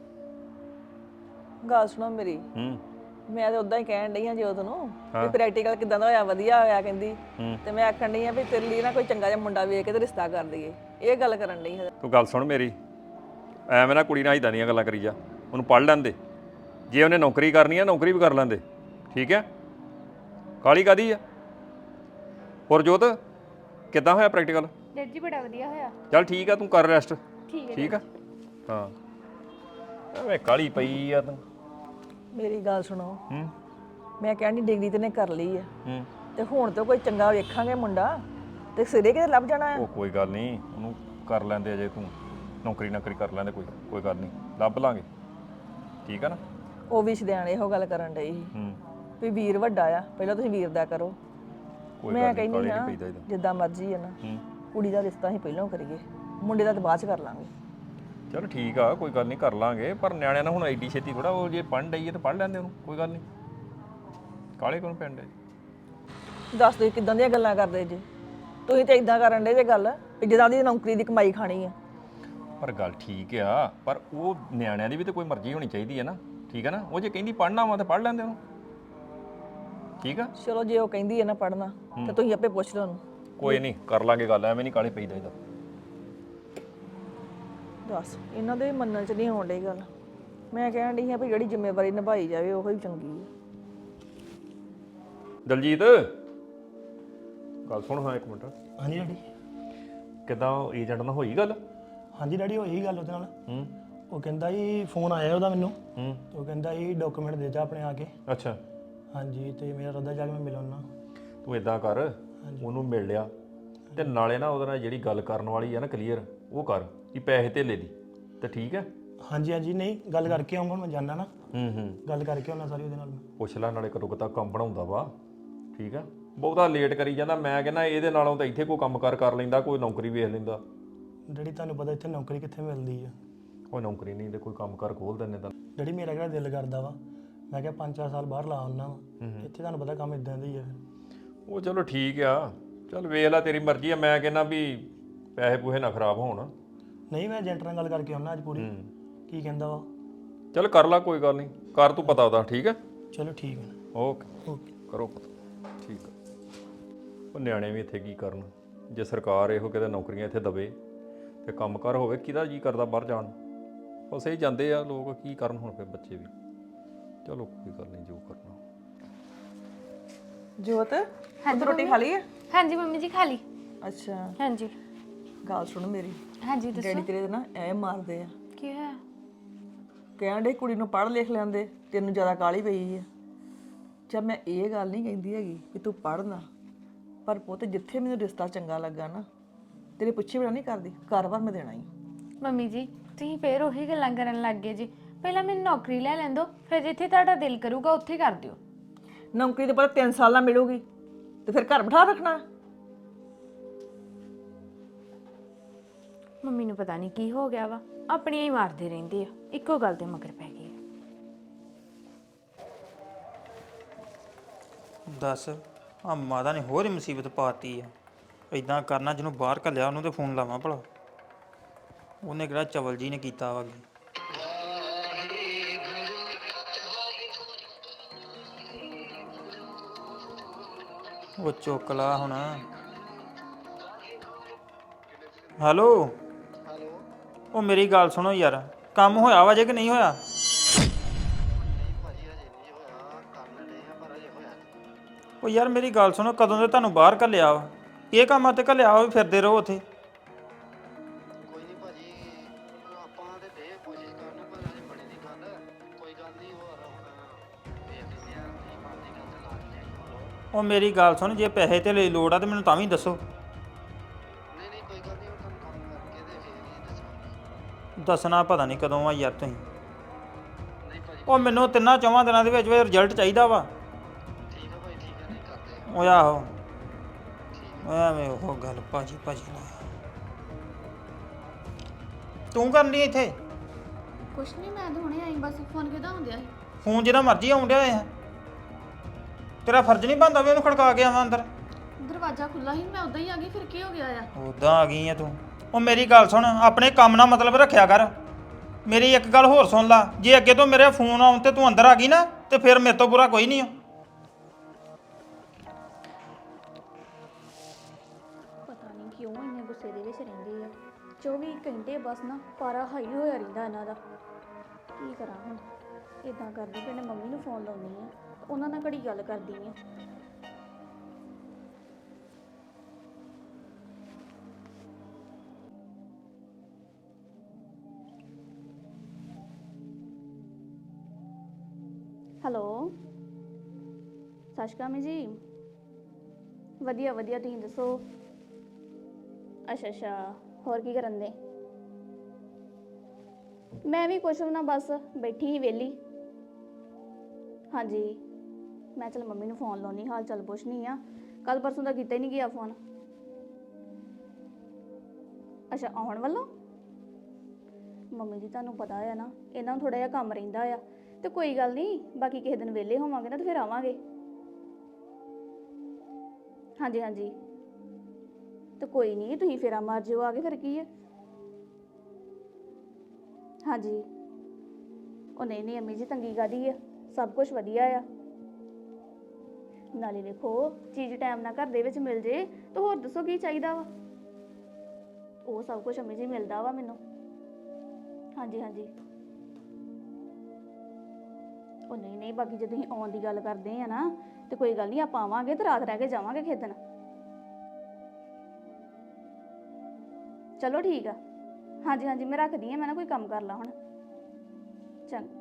ਗੱਲ ਸੁਣੋ ਮੇਰੀ,
ਹੂੰ
ਮੈਂ ਤਾਂ ਉਦਾਂ ਹੀ ਕਹਿਣ ਡਈ ਹਾਂ ਜੋਤ ਨੂੰ ਵੀ ਪ੍ਰੈਕਟੀਕਲ ਕਿਦਾਂ ਦਾ ਹੋਇਆ, ਵਧੀਆ ਹੋਇਆ ਕਹਿੰਦੀ। ਤੇ ਮੈਂ ਆਖਣ ਡਈ ਆ ਵੀ ਤੇਰੇ ਲਈ ਨਾ ਕੋਈ ਚੰਗਾ ਜਿਹਾ ਮੁੰਡਾ ਵੇਖ ਕੇ ਤੇ ਰਿਸ਼ਤਾ ਕਰ ਦਈਏ, ਇਹ ਗੱਲ ਕਰਨ ਡਈ ਹਾਂ।
ਤੂੰ ਗੱਲ ਸੁਣ ਮੇਰੀ, ਐਵੇਂ ਨਾ ਕੁੜੀ ਨਾਲ ਇਦਾਂ ਦੀਆਂ ਗੱਲਾਂ ਕਰੀ ਜਾ। ਉਹਨੂੰ ਪੜ੍ਹ ਲੈਂਦੇ, ਜੇ ਉਹਨੇ ਨੌਕਰੀ ਕਰਨੀ ਆ ਨੌਕਰੀ ਵੀ ਕਰ ਲੈਂਦੇ, ਠੀਕ ਹੈ? ਕਾਹਲੀ ਕਾਹਦੀ ਆ? ਹੋਰ ਜੋਤ ਕਿੱਦਾਂ ਹੋਇਆ ਪ੍ਰੈਕਟੀਕਲ?
ਡੈਡ ਜੀ ਬੜਾ ਵਧੀਆ ਹੋਇਆ।
ਚੱਲ ਠੀਕ ਆ, ਤੂੰ ਕਰ ਰੈਸਟ।
ਠੀਕ ਹੈ
ਠੀਕ ਆ, ਹਾਂ। ਐਵੇਂ ਕਾਹਲੀ ਪਈ ਆ ਤੂੰ।
ਮੇਰੀ ਗੱਲ ਸੁਣੋ,
ਹੂੰ
ਮੈਂ ਕਹਿੰਦੀ ਡਿਗਰੀ ਤੇ ਨੇ ਕਰ ਲਈ ਆ,
ਹੂੰ
ਤੇ ਹੁਣ ਤਾਂ ਕੋਈ ਚੰਗਾ ਵੇਖਾਂਗੇ ਮੁੰਡਾ ਤੇ ਸਿਰੇ ਕਿਤੇ ਲੱਭ ਜਾਣਾ ਆ।
ਉਹ ਕੋਈ ਗੱਲ ਨਹੀਂ, ਉਹਨੂੰ ਕਰ ਲੈਂਦੇ ਅਜੇ, ਤੂੰ ਨੌਕਰੀ ਕਰ ਲੈਂਦੇ, ਕੋਈ ਗੱਲ ਨਹੀਂ, ਲੱਭ ਲਾਂਗੇ, ਠੀਕ ਆ ਨਾ?
ਉਹ ਵੀ ਸ਼ਦਿਆਣੇ ਇਹੋ ਗੱਲ ਕਰਨ ਡਈ ਸੀ
ਹੂੰ
ਵੀ ਵੀਰ ਵੱਡਾ ਆ, ਪਹਿਲਾਂ ਤੁਸੀਂ ਵੀਰ ਦਾ ਕਰੋ।
ਕੋਈ
ਮੈਂ
ਗੱਲ ਨਹੀਂ,
ਕਹਿੰਦੀ
ਕਾਹਲੀ
ਹਾਂ
ਨਹੀਂ ਪਈਦਾ ਇਹਦਾ।
ਜਿੱਦਾਂ ਮਰਜ਼ੀ ਹੈ ਨਾ,
ਹੂੰ
ਕੁੜੀ ਦਾ ਰਿਸ਼ਤਾ ਅਸੀਂ ਪਹਿਲਾਂ ਕਰੀਏ, ਮੁੰਡੇ ਦਾ ਤਾਂ ਬਾਅਦ ਚ ਕਰ ਲਾਂਗੇ।
ਚਲ ਠੀਕ ਆ, ਕੋਈ ਗੱਲ ਨਹੀਂ, ਕਰ ਲਾਂਗੇ। ਪਰ ਨਿਆਣਿਆਂ ਨਾਲ ਹੁਣ ਐਡੀ ਛੇਤੀ ਥੋੜਾ, ਉਹ ਜੇ ਪੜ੍ਹਨ ਡਈ ਹੈ ਤਾਂ ਪੜ੍ਹ ਲੈਂਦੇ ਉਹਨੂੰ, ਕੋਈ ਗੱਲ ਨਹੀਂ। ਕਾਲੇ ਕੋਲ ਪਿੰਡ ਹੈ?
ਦੱਸ ਤੁਸੀਂ ਕਿੱਦਾਂ ਦੀਆਂ ਗੱਲਾਂ ਕਰਦੇ ਜੇ? ਤੁਸੀਂ ਤਾਂ ਇਦਾਂ ਕਰਨ ਡੇ ਜੇ ਗੱਲ ਵੀ ਜਿੱਦਾਂ ਦੀ ਨੌਕਰੀ ਦੀ ਕਮਾਈ ਖਾਣੀ ਆ।
ਪਰ ਗੱਲ ਠੀਕ ਆ, ਪਰ ਉਹ ਨਿਆਣਿਆਂ ਦੀ ਵੀ ਤਾਂ ਕੋਈ ਮਰਜ਼ੀ ਹੋਣੀ ਚਾਹੀਦੀ ਹੈ ਨਾ, ਠੀਕ ਹੈ ਨਾ? ਉਹ ਜੇ ਕਹਿੰਦੀ ਪੜ੍ਹਨਾ ਵਾ ਤਾਂ ਪੜ੍ਹ ਲੈਂਦੇ ਉਹਨੂੰ, ਠੀਕ ਆ?
ਚਲੋ ਜੇ ਉਹ ਕਹਿੰਦੀ ਹੈ ਨਾ ਪੜ੍ਹਨਾ ਤੇ ਤੁਸੀਂ ਆਪੇ ਪੁੱਛ ਲਓ ਉਹਨੂੰ।
ਕੋਈ ਨਹੀਂ, ਕਰ ਲਾਂਗੇ ਗੱਲ, ਐਵੇਂ ਨਹੀਂ ਕਾਲੇ ਪਈਦਾ ਇਹਦਾ।
ਦੱਸ ਇਹਨਾਂ ਦੇ ਮੰਨਣ ਚ ਨਹੀਂ ਆਉਣ ਡਈ ਗੱਲ। ਮੈਂ ਕਹਿਣ ਡਈ ਹਾਂ ਵੀ ਜਿਹੜੀ ਜ਼ਿੰਮੇਵਾਰੀ ਨਿਭਾਈ ਜਾਵੇ ਉਹ ਹੀ ਚੰਗੀ ਹੈ।
ਦਲਜੀਤ ਗੱਲ ਸੁਣ, ਹਾਂ ਇੱਕ ਮਿੰਟ।
ਹਾਂਜੀ ਡੈਡੀ।
ਕਿੱਦਾਂ ਏਜੰਟ ਨਾਲ ਹੋਈ ਗੱਲ?
ਹਾਂਜੀ ਡੈਡੀ, ਹੋਈ ਗੱਲ ਉਹਦੇ ਨਾਲ।
ਹੂੰ
ਉਹ ਕਹਿੰਦਾ ਜੀ ਫੋਨ ਆਇਆ ਉਹਦਾ ਮੈਨੂੰ,
ਹੂੰ
ਤੇ ਉਹ ਕਹਿੰਦਾ ਜੀ ਡਾਕੂਮੈਂਟ ਦੇ ਜਾ ਆਪਣੇ ਆ ਕੇ।
ਅੱਛਾ,
ਹਾਂਜੀ, ਤੇ ਮੇਰਾ ਰੱਦਾ ਜਾ ਕੇ ਮੈਂ ਮਿਲਾਉਣਾ।
ਤੂੰ ਇਦਾਂ ਕਰ, ਉਹਨੂੰ ਮਿਲ ਲਿਆ ਤੇ ਨਾਲੇ ਨਾ ਉਹਦੇ ਨਾਲ ਜਿਹੜੀ ਗੱਲ ਕਰਨ ਵਾਲੀ ਆ ਨਾ ਕਲੀਅਰ, ਉਹ ਕਰ ਕਿ ਪੈਸੇ ਧੇਲੇ ਦੀ, ਤੇ ਠੀਕ ਹੈ?
ਹਾਂਜੀ ਹਾਂਜੀ, ਨਹੀਂ ਗੱਲ ਕਰਕੇ ਆਉਂਗਾ, ਮੈਂ ਜਾਣਾ ਨਾ,
ਹੂੰ
ਗੱਲ ਕਰਕੇ ਆਉਣਾ ਸਾਰੀ ਉਹਦੇ ਨਾਲ ਮੈਂ।
ਪੁੱਛ ਲੈ, ਨਾਲੇ ਕਦੋਂ ਤੱਕ ਕੰਮ ਬਣਾਉਂਦਾ ਵਾ, ਠੀਕ ਆ? ਬਹੁਤਾ ਲੇਟ ਕਰੀ ਜਾਂਦਾ, ਮੈਂ ਕਹਿੰਦਾ ਇਹਦੇ ਨਾਲੋਂ ਤਾਂ ਇੱਥੇ ਕੋਈ ਕੰਮਕਾਰ ਕਰ ਲੈਂਦਾ, ਕੋਈ ਨੌਕਰੀ ਵੇਖ ਲੈਂਦਾ।
ਡੈਡੀ ਤੁਹਾਨੂੰ ਪਤਾ ਇੱਥੇ ਨੌਕਰੀ ਕਿੱਥੇ ਮਿਲਦੀ ਆ।
ਕੋਈ ਨੌਕਰੀ ਨਹੀਂ ਤੇ ਕੋਈ ਕੰਮਕਾਰ ਖੋਲ ਦਿੰਦੇ ਤਾਂ।
ਡੈਡੀ ਮੇਰਾ ਕਿਹੜਾ ਦਿਲ ਕਰਦਾ ਵਾ, ਮੈਂ ਕਿਹਾ 5-4 ਸਾਲ ਬਾਹਰ ਲਾ ਆਉਣਾ ਵਾ, ਇੱਥੇ ਤੁਹਾਨੂੰ ਪਤਾ ਕੰਮ ਇਦਾਂ ਦਾ ਹੀ ਆ।
ਉਹ ਚਲੋ ਠੀਕ ਆ, ਚੱਲ ਵੇਖ ਲੈ, ਤੇਰੀ ਮਰਜ਼ੀ ਆ। ਮੈਂ ਕਹਿੰਦਾ ਵੀ ਪੈਸੇ ਪੂਹੇ ਨਾ ਖਰਾਬ ਹੋਣ।
ਨਹੀਂ, ਮੈਂ ਏਜੰਟ ਨਾਲ ਗੱਲ ਕਰਕੇ ਆਉਣਾ ਅੱਜ ਪੂਰੀ, ਕੀ ਕਹਿੰਦਾ ਵਾ।
ਚੱਲ ਕਰ ਲਾ, ਕੋਈ ਗੱਲ ਨਹੀਂ, ਕਰ ਤੂੰ ਪਤਾ ਉਹਦਾ, ਠੀਕ ਹੈ?
ਚਲੋ ਠੀਕ ਹੈ।
Okay
okay.
ਕਰੋ ਪਤਾ, ਠੀਕ ਆ। ਉਹ ਨਿਆਣੇ ਵੀ ਇੱਥੇ ਕੀ ਕਰਨ, ਜੇ ਸਰਕਾਰ ਇਹੋ ਕਿਤੇ ਨੌਕਰੀਆਂ ਇੱਥੇ ਦਵੇ ਤੇ ਕੰਮਕਾਰ ਹੋਵੇ, ਕਿਹਦਾ ਜੀ ਕਰਦਾ ਬਾਹਰ ਜਾਣ? ਬਸ ਇਹ ਜਾਂਦੇ ਆ ਲੋਕ, ਕੀ ਕਰਨ ਹੁਣ ਫਿਰ ਬੱਚੇ ਵੀ। ਚਲੋ ਕੋਈ ਗੱਲ ਨਹੀਂ, ਜੋ ਕਰਨਾ।
ਜੋਤ ਤੂੰ ਰੋਟੀ ਖਾ ਲਈ ਹੈ?
ਹਾਂਜੀ ਮੰਮੀ ਜੀ ਖਾ ਲਈ।
ਅੱਛਾ
ਹਾਂਜੀ
ਗੱਲ ਸੁਣ ਮੇਰੀ,
ਹਾਂਜੀ ਦੱਸੋ
ਡੈਡੀ ਤੇਰੇ ਨਾ ਐ ਮਾਰਦੇ ਆ,
ਕੀ ਹੋਇਆ?
ਕਹਿਣ ਡੇ ਕੁੜੀ ਨੂੰ ਪੜ੍ਹ ਲਿਖ ਲੈਂਦੇ, ਤੈਨੂੰ ਜ਼ਿਆਦਾ ਕਾਹਲੀ ਪਈ ਆ। ਚੱਲ ਮੈਂ ਇਹ ਗੱਲ ਨਹੀਂ ਕਹਿੰਦੀ ਹੈਗੀ ਕਿ ਤੂੰ ਪੜ੍ਹਨਾ, ਪਰ ਪੁੱਤ ਜਿੱਥੇ ਮੈਨੂੰ ਰਿਸ਼ਤਾ ਚੰਗਾ ਲੱਗਾ ਨਾ, ਤੇਰੇ ਪੁੱਛੇ ਬਿਨਾਂ ਨਹੀਂ ਕਰਦੀ, ਘਰ-ਬਾਰ ਮੈਂ ਦੇਣਾ ਹੀ।
ਮੰਮੀ ਜੀ ਤੁਸੀਂ ਫੇਰ ਉਹੀ ਗੱਲਾਂ ਕਰਨ ਲੱਗ ਗਏ ਜੀ। ਪਹਿਲਾਂ ਮੈਨੂੰ ਨੌਕਰੀ ਲੈ ਲੈਣ ਦਿਓ, ਫਿਰ ਜਿੱਥੇ ਤੁਹਾਡਾ ਦਿਲ ਕਰੂਗਾ ਉੱਥੇ ਕਰ ਦਿਓ।
ਨੌਕਰੀ ਤੇ ਪਤਾ 3 ਸਾਲ ਨਾਲ ਮਿਲੂਗੀ ਤੇ ਫਿਰ ਘਰ ਬਿਠਾ ਰੱਖਣਾ।
ਮੰਮੀ ਨੂੰ ਪਤਾ ਨਹੀਂ ਕੀ ਹੋ ਗਿਆ ਵਾ, ਆਪਣੀਆਂ ਹੀ ਮਾਰਦੇ ਰਹਿੰਦੇ ਆ, ਇੱਕੋ ਗੱਲ ਤੇ ਮਗਰ ਪੈ ਗਏ।
ਦੱਸ, ਆ ਮਾਤਾ ਨੇ ਹੋਰ ਹੀ ਮੁਸੀਬਤ ਪਾਤੀ ਆ। ਇਦਾਂ ਕਰਨਾ, ਜਿਹਨੂੰ ਬਾਹਰ ਘੱਲਿਆ ਉਹਨੂੰ ਤੇ ਫੋਨ ਲਾਵਾਂ ਭਲਾ, ਉਹਨੇ ਕਿਹੜਾ ਚਵਲ ਜੀ ਨੇ ਕੀਤਾ ਵਾ। ਉਹ ਚੁੱਕ ਲਾ ਹੁਣ। ਹੈਲੋ ਉਹ ਮੇਰੀ ਗੱਲ ਸੁਣੋ ਯਾਰ, ਕੰਮ ਹੋਇਆ ਵਾ ਜੇ ਕਿ ਨਹੀਂ ਹੋਇਆ? ਉਹ ਯਾਰ ਮੇਰੀ ਗੱਲ ਸੁਣੋ, ਕਦੋਂ ਦੇ ਤੁਹਾਨੂੰ ਬਾਹਰ ਘੱਲਿਆ ਵਾ? ਇਹ ਕੰਮਾਂ ਤੇ ਘੱਲਿਆ ਵਾ ਵੀ ਫਿਰਦੇ ਰਹੋ ਉੱਥੇ?
ਕੋਈ ਨਹੀਂ ਭਾਜੀ, ਆਪਾਂ ਤੇ ਦੇ ਕੋਸ਼ਿਸ਼ ਕਰਨ, ਪਰ ਅਜੇ ਬਣੀ ਦੀ ਗੱਲ। ਕੋਈ ਗੱਲ ਨਹੀਂ, ਹੋਰ ਹੁਣ ਦੇਖ ਲੈਂਦੇ ਆ ਕੀ ਬਣਦੀ ਗੱਲ ਤੇ ਲਾ ਦਿੰਦੇ ਆ।
ਉਹ ਮੇਰੀ ਗੱਲ ਸੁਣ, ਜੇ ਪੈਸੇ ਤੇ ਲਈ ਲੋੜ ਆ ਤੇ ਮੈਨੂੰ ਤਾਂ ਵੀ ਦੱਸੋ।
ਨਹੀਂ ਨਹੀਂ ਕੋਈ ਗੱਲ ਨਹੀਂ, ਉਹ ਤੁਹਾਨੂੰ ਕੰਮ ਕਰਕੇ ਤੇ ਫੇਰ ਹੀ ਦੱਸਾਂਗੇ।
ਦੱਸਣਾ ਪਤਾ ਨਹੀਂ ਕਦੋਂ ਆ ਯਾਰ ਤੁਸੀਂ।
ਨਹੀਂ ਭਾਜੀ
ਉਹ ਮੈਨੂੰ 3-4 ਦਿਨਾਂ ਦੇ ਵਿੱਚ ਰਿਜ਼ਲਟ ਚਾਹੀਦਾ ਵਾ।
ਠੀਕ ਆ ਭਾਈ, ਠੀਕ ਆ, ਨਹੀਂ ਕਰਦੇ ਆ।
ਉਹ ਆਹੋ, ਓਏ ਐਵੇਂ ਉਹ ਗੱਲ ਭਾਜੀ ਨਾਲ। ਤੂੰ ਕਰਨ ਡਈ ਇੱਥੇ?
ਕੁਛ ਨਹੀਂ, ਮੈਂ ਤਾਂ ਹੁਣੇ ਆਈ, ਬਸ ਫੋਨ ਕਿਹਦਾ ਹੁੰਦਿਆ ਸੀ?
ਫੋਨ ਜਿਹਦਾ ਮਰਜ਼ੀ ਆਉਣ ਡਿਆ ਹੈ, ਤੇਰਾ ਫਰਜ਼ ਨਹੀਂ ਬਣਦਾ ਵੀ ਉਹਨੂੰ ਖੜਕਾ ਕੇ ਆਵਾਂ ਅੰਦਰ?
ਦਰਵਾਜ਼ਾ ਖੁੱਲਾ ਸੀ, ਮੈਂ ਉਦਾਂ ਹੀ ਆ ਗਈ, ਫਿਰ ਕੀ ਹੋ ਗਿਆ ਆ?
ਉਦਾਂ ਆ ਗਈ ਆ ਤੂੰ? ਉਹ ਮੇਰੀ ਗੱਲ ਸੁਣ, ਆਪਣੇ ਕੰਮ ਨਾਲ ਮਤਲਬ ਰੱਖਿਆ ਕਰ। ਮੇਰੀ ਇੱਕ ਗੱਲ ਹੋਰ ਸੁਣ ਲਾ, ਜੇ ਅੱਗੇ ਤੋਂ ਮੇਰੇ ਫੋਨ ਆਉਣ ਤੇ ਤੂੰ ਅੰਦਰ ਆ ਗਈ ਨਾ, ਤੇ ਫਿਰ ਮੇਰੇ ਤੋਂ ਬੁਰਾ ਕੋਈ ਨਹੀਂ ਆ।
ਪਤਾ ਨਹੀਂ ਕਿਉਂ ਇੰਨੇ ਗੁੱਸੇ ਦੇ ਵਿੱਚ ਰਹਿੰਦੇ ਆ। 24 ਘੰਟੇ ਬਸ ਨਾ ਪਾਰਾ ਹਾਈ ਹੋਇਆ ਰਹਿੰਦਾ ਇਹਨਾਂ ਦਾ। ਕੀ ਕਰਾਂ ਹੁਣ? ਇਦਾਂ ਕਰਦੀ ਕਿ ਮੰਮੀ ਨੂੰ ਫੋਨ ਲਾਉਣੀ ਆ, ਉਹਨਾਂ ਨਾਲ ਘੜੀ ਗੱਲ ਕਰਦੀ ਆ। ਹੈਲੋ, ਸਤਿ ਸ਼੍ਰੀ ਅਕਾਲ ਜੀ। ਵਧੀਆ ਵਧੀਆ, ਤੁਸੀਂ ਦੱਸੋ? ਅੱਛਾ, ਹੋਰ ਕੀ ਕਰਨ ਦੇ? ਮੈਂ ਵੀ ਕੁਛ ਨਾ, ਬਸ ਬੈਠੀ ਹੀ ਵਿਹਲੀ। ਹਾਂਜੀ, ਮੈਂ ਚਲ ਮੰਮੀ ਨੂੰ ਫੋਨ ਲਾਉਣੀ, ਹਾਲ ਚਾਲ ਪੁੱਛਣੀ ਆ। ਕੱਲ ਪਰਸੋਂ ਦਾ ਕੀਤਾ ਹੀ ਨਹੀਂ ਗਿਆ ਫੋਨ। ਅੱਛਾ, ਆਉਣ ਵੱਲੋਂ? ਮੰਮੀ ਜੀ ਤੁਹਾਨੂੰ ਪਤਾ ਆ ਨਾ, ਇਹਨਾਂ ਨੂੰ ਥੋੜਾ ਜਿਹਾ ਕੰਮ ਰਹਿੰਦਾ ਆ, ਤੇ ਕੋਈ ਗੱਲ ਨਹੀਂ, ਬਾਕੀ ਕਿਸੇ ਦਿਨ ਵਿਹਲੇ ਹੋਵਾਂਗੇ ਨਾ ਤੇ ਫਿਰ ਆਵਾਂਗੇ। ਹਾਂਜੀ, ਤੇ ਕੋਈ ਨਹੀਂ, ਤੁਸੀਂ ਫੇਰਾ ਮਾਰ ਜਿਓ ਆ ਕੇ, ਫਿਰ ਕੀ ਹੈ। ਹਾਂਜੀ, ਉਹ ਨਹੀਂ ਅੰਮੀ ਜੀ, ਤੰਗੀ ਕਾਹਦੀ ਆ, ਸਭ ਕੁਝ ਵਧੀਆ ਆ। ਨਾਲੇ ਵੇਖੋ, ਚੀਜ਼ ਟਾਈਮ ਨਾਲ ਘਰ ਦੇ ਵਿੱਚ ਮਿਲ ਜੇ ਤਾਂ ਹੋਰ ਦੱਸੋ ਕੀ ਚਾਹੀਦਾ ਵਾ। ਉਹ ਸਭ ਕੁਝ ਅੰਮੀ ਜੀ ਮਿਲਦਾ ਵਾ ਮੈਨੂੰ। ਹਾਂਜੀ, ਉਹ ਨਹੀਂ, ਬਾਕੀ ਜੇ ਤੁਸੀਂ ਆਉਣ ਦੀ ਗੱਲ ਕਰਦੇ ਆ ਨਾ, ਤੇ ਕੋਈ ਗੱਲ ਨਹੀਂ, ਆਪਾਂ ਆਵਾਂਗੇ ਤੇ ਰਾਤ ਰਹਿ ਕੇ ਜਾਵਾਂਗੇ ਖੇਡਣ। ਚਲੋ ਠੀਕ ਆ। ਹਾਂਜੀ, ਮੈਂ ਰੱਖਦੀ ਆ, ਮੈਂ ਨਾ ਕੋਈ ਕੰਮ ਕਰ ਲਾ ਹੁਣ। ਚੰਗਾ।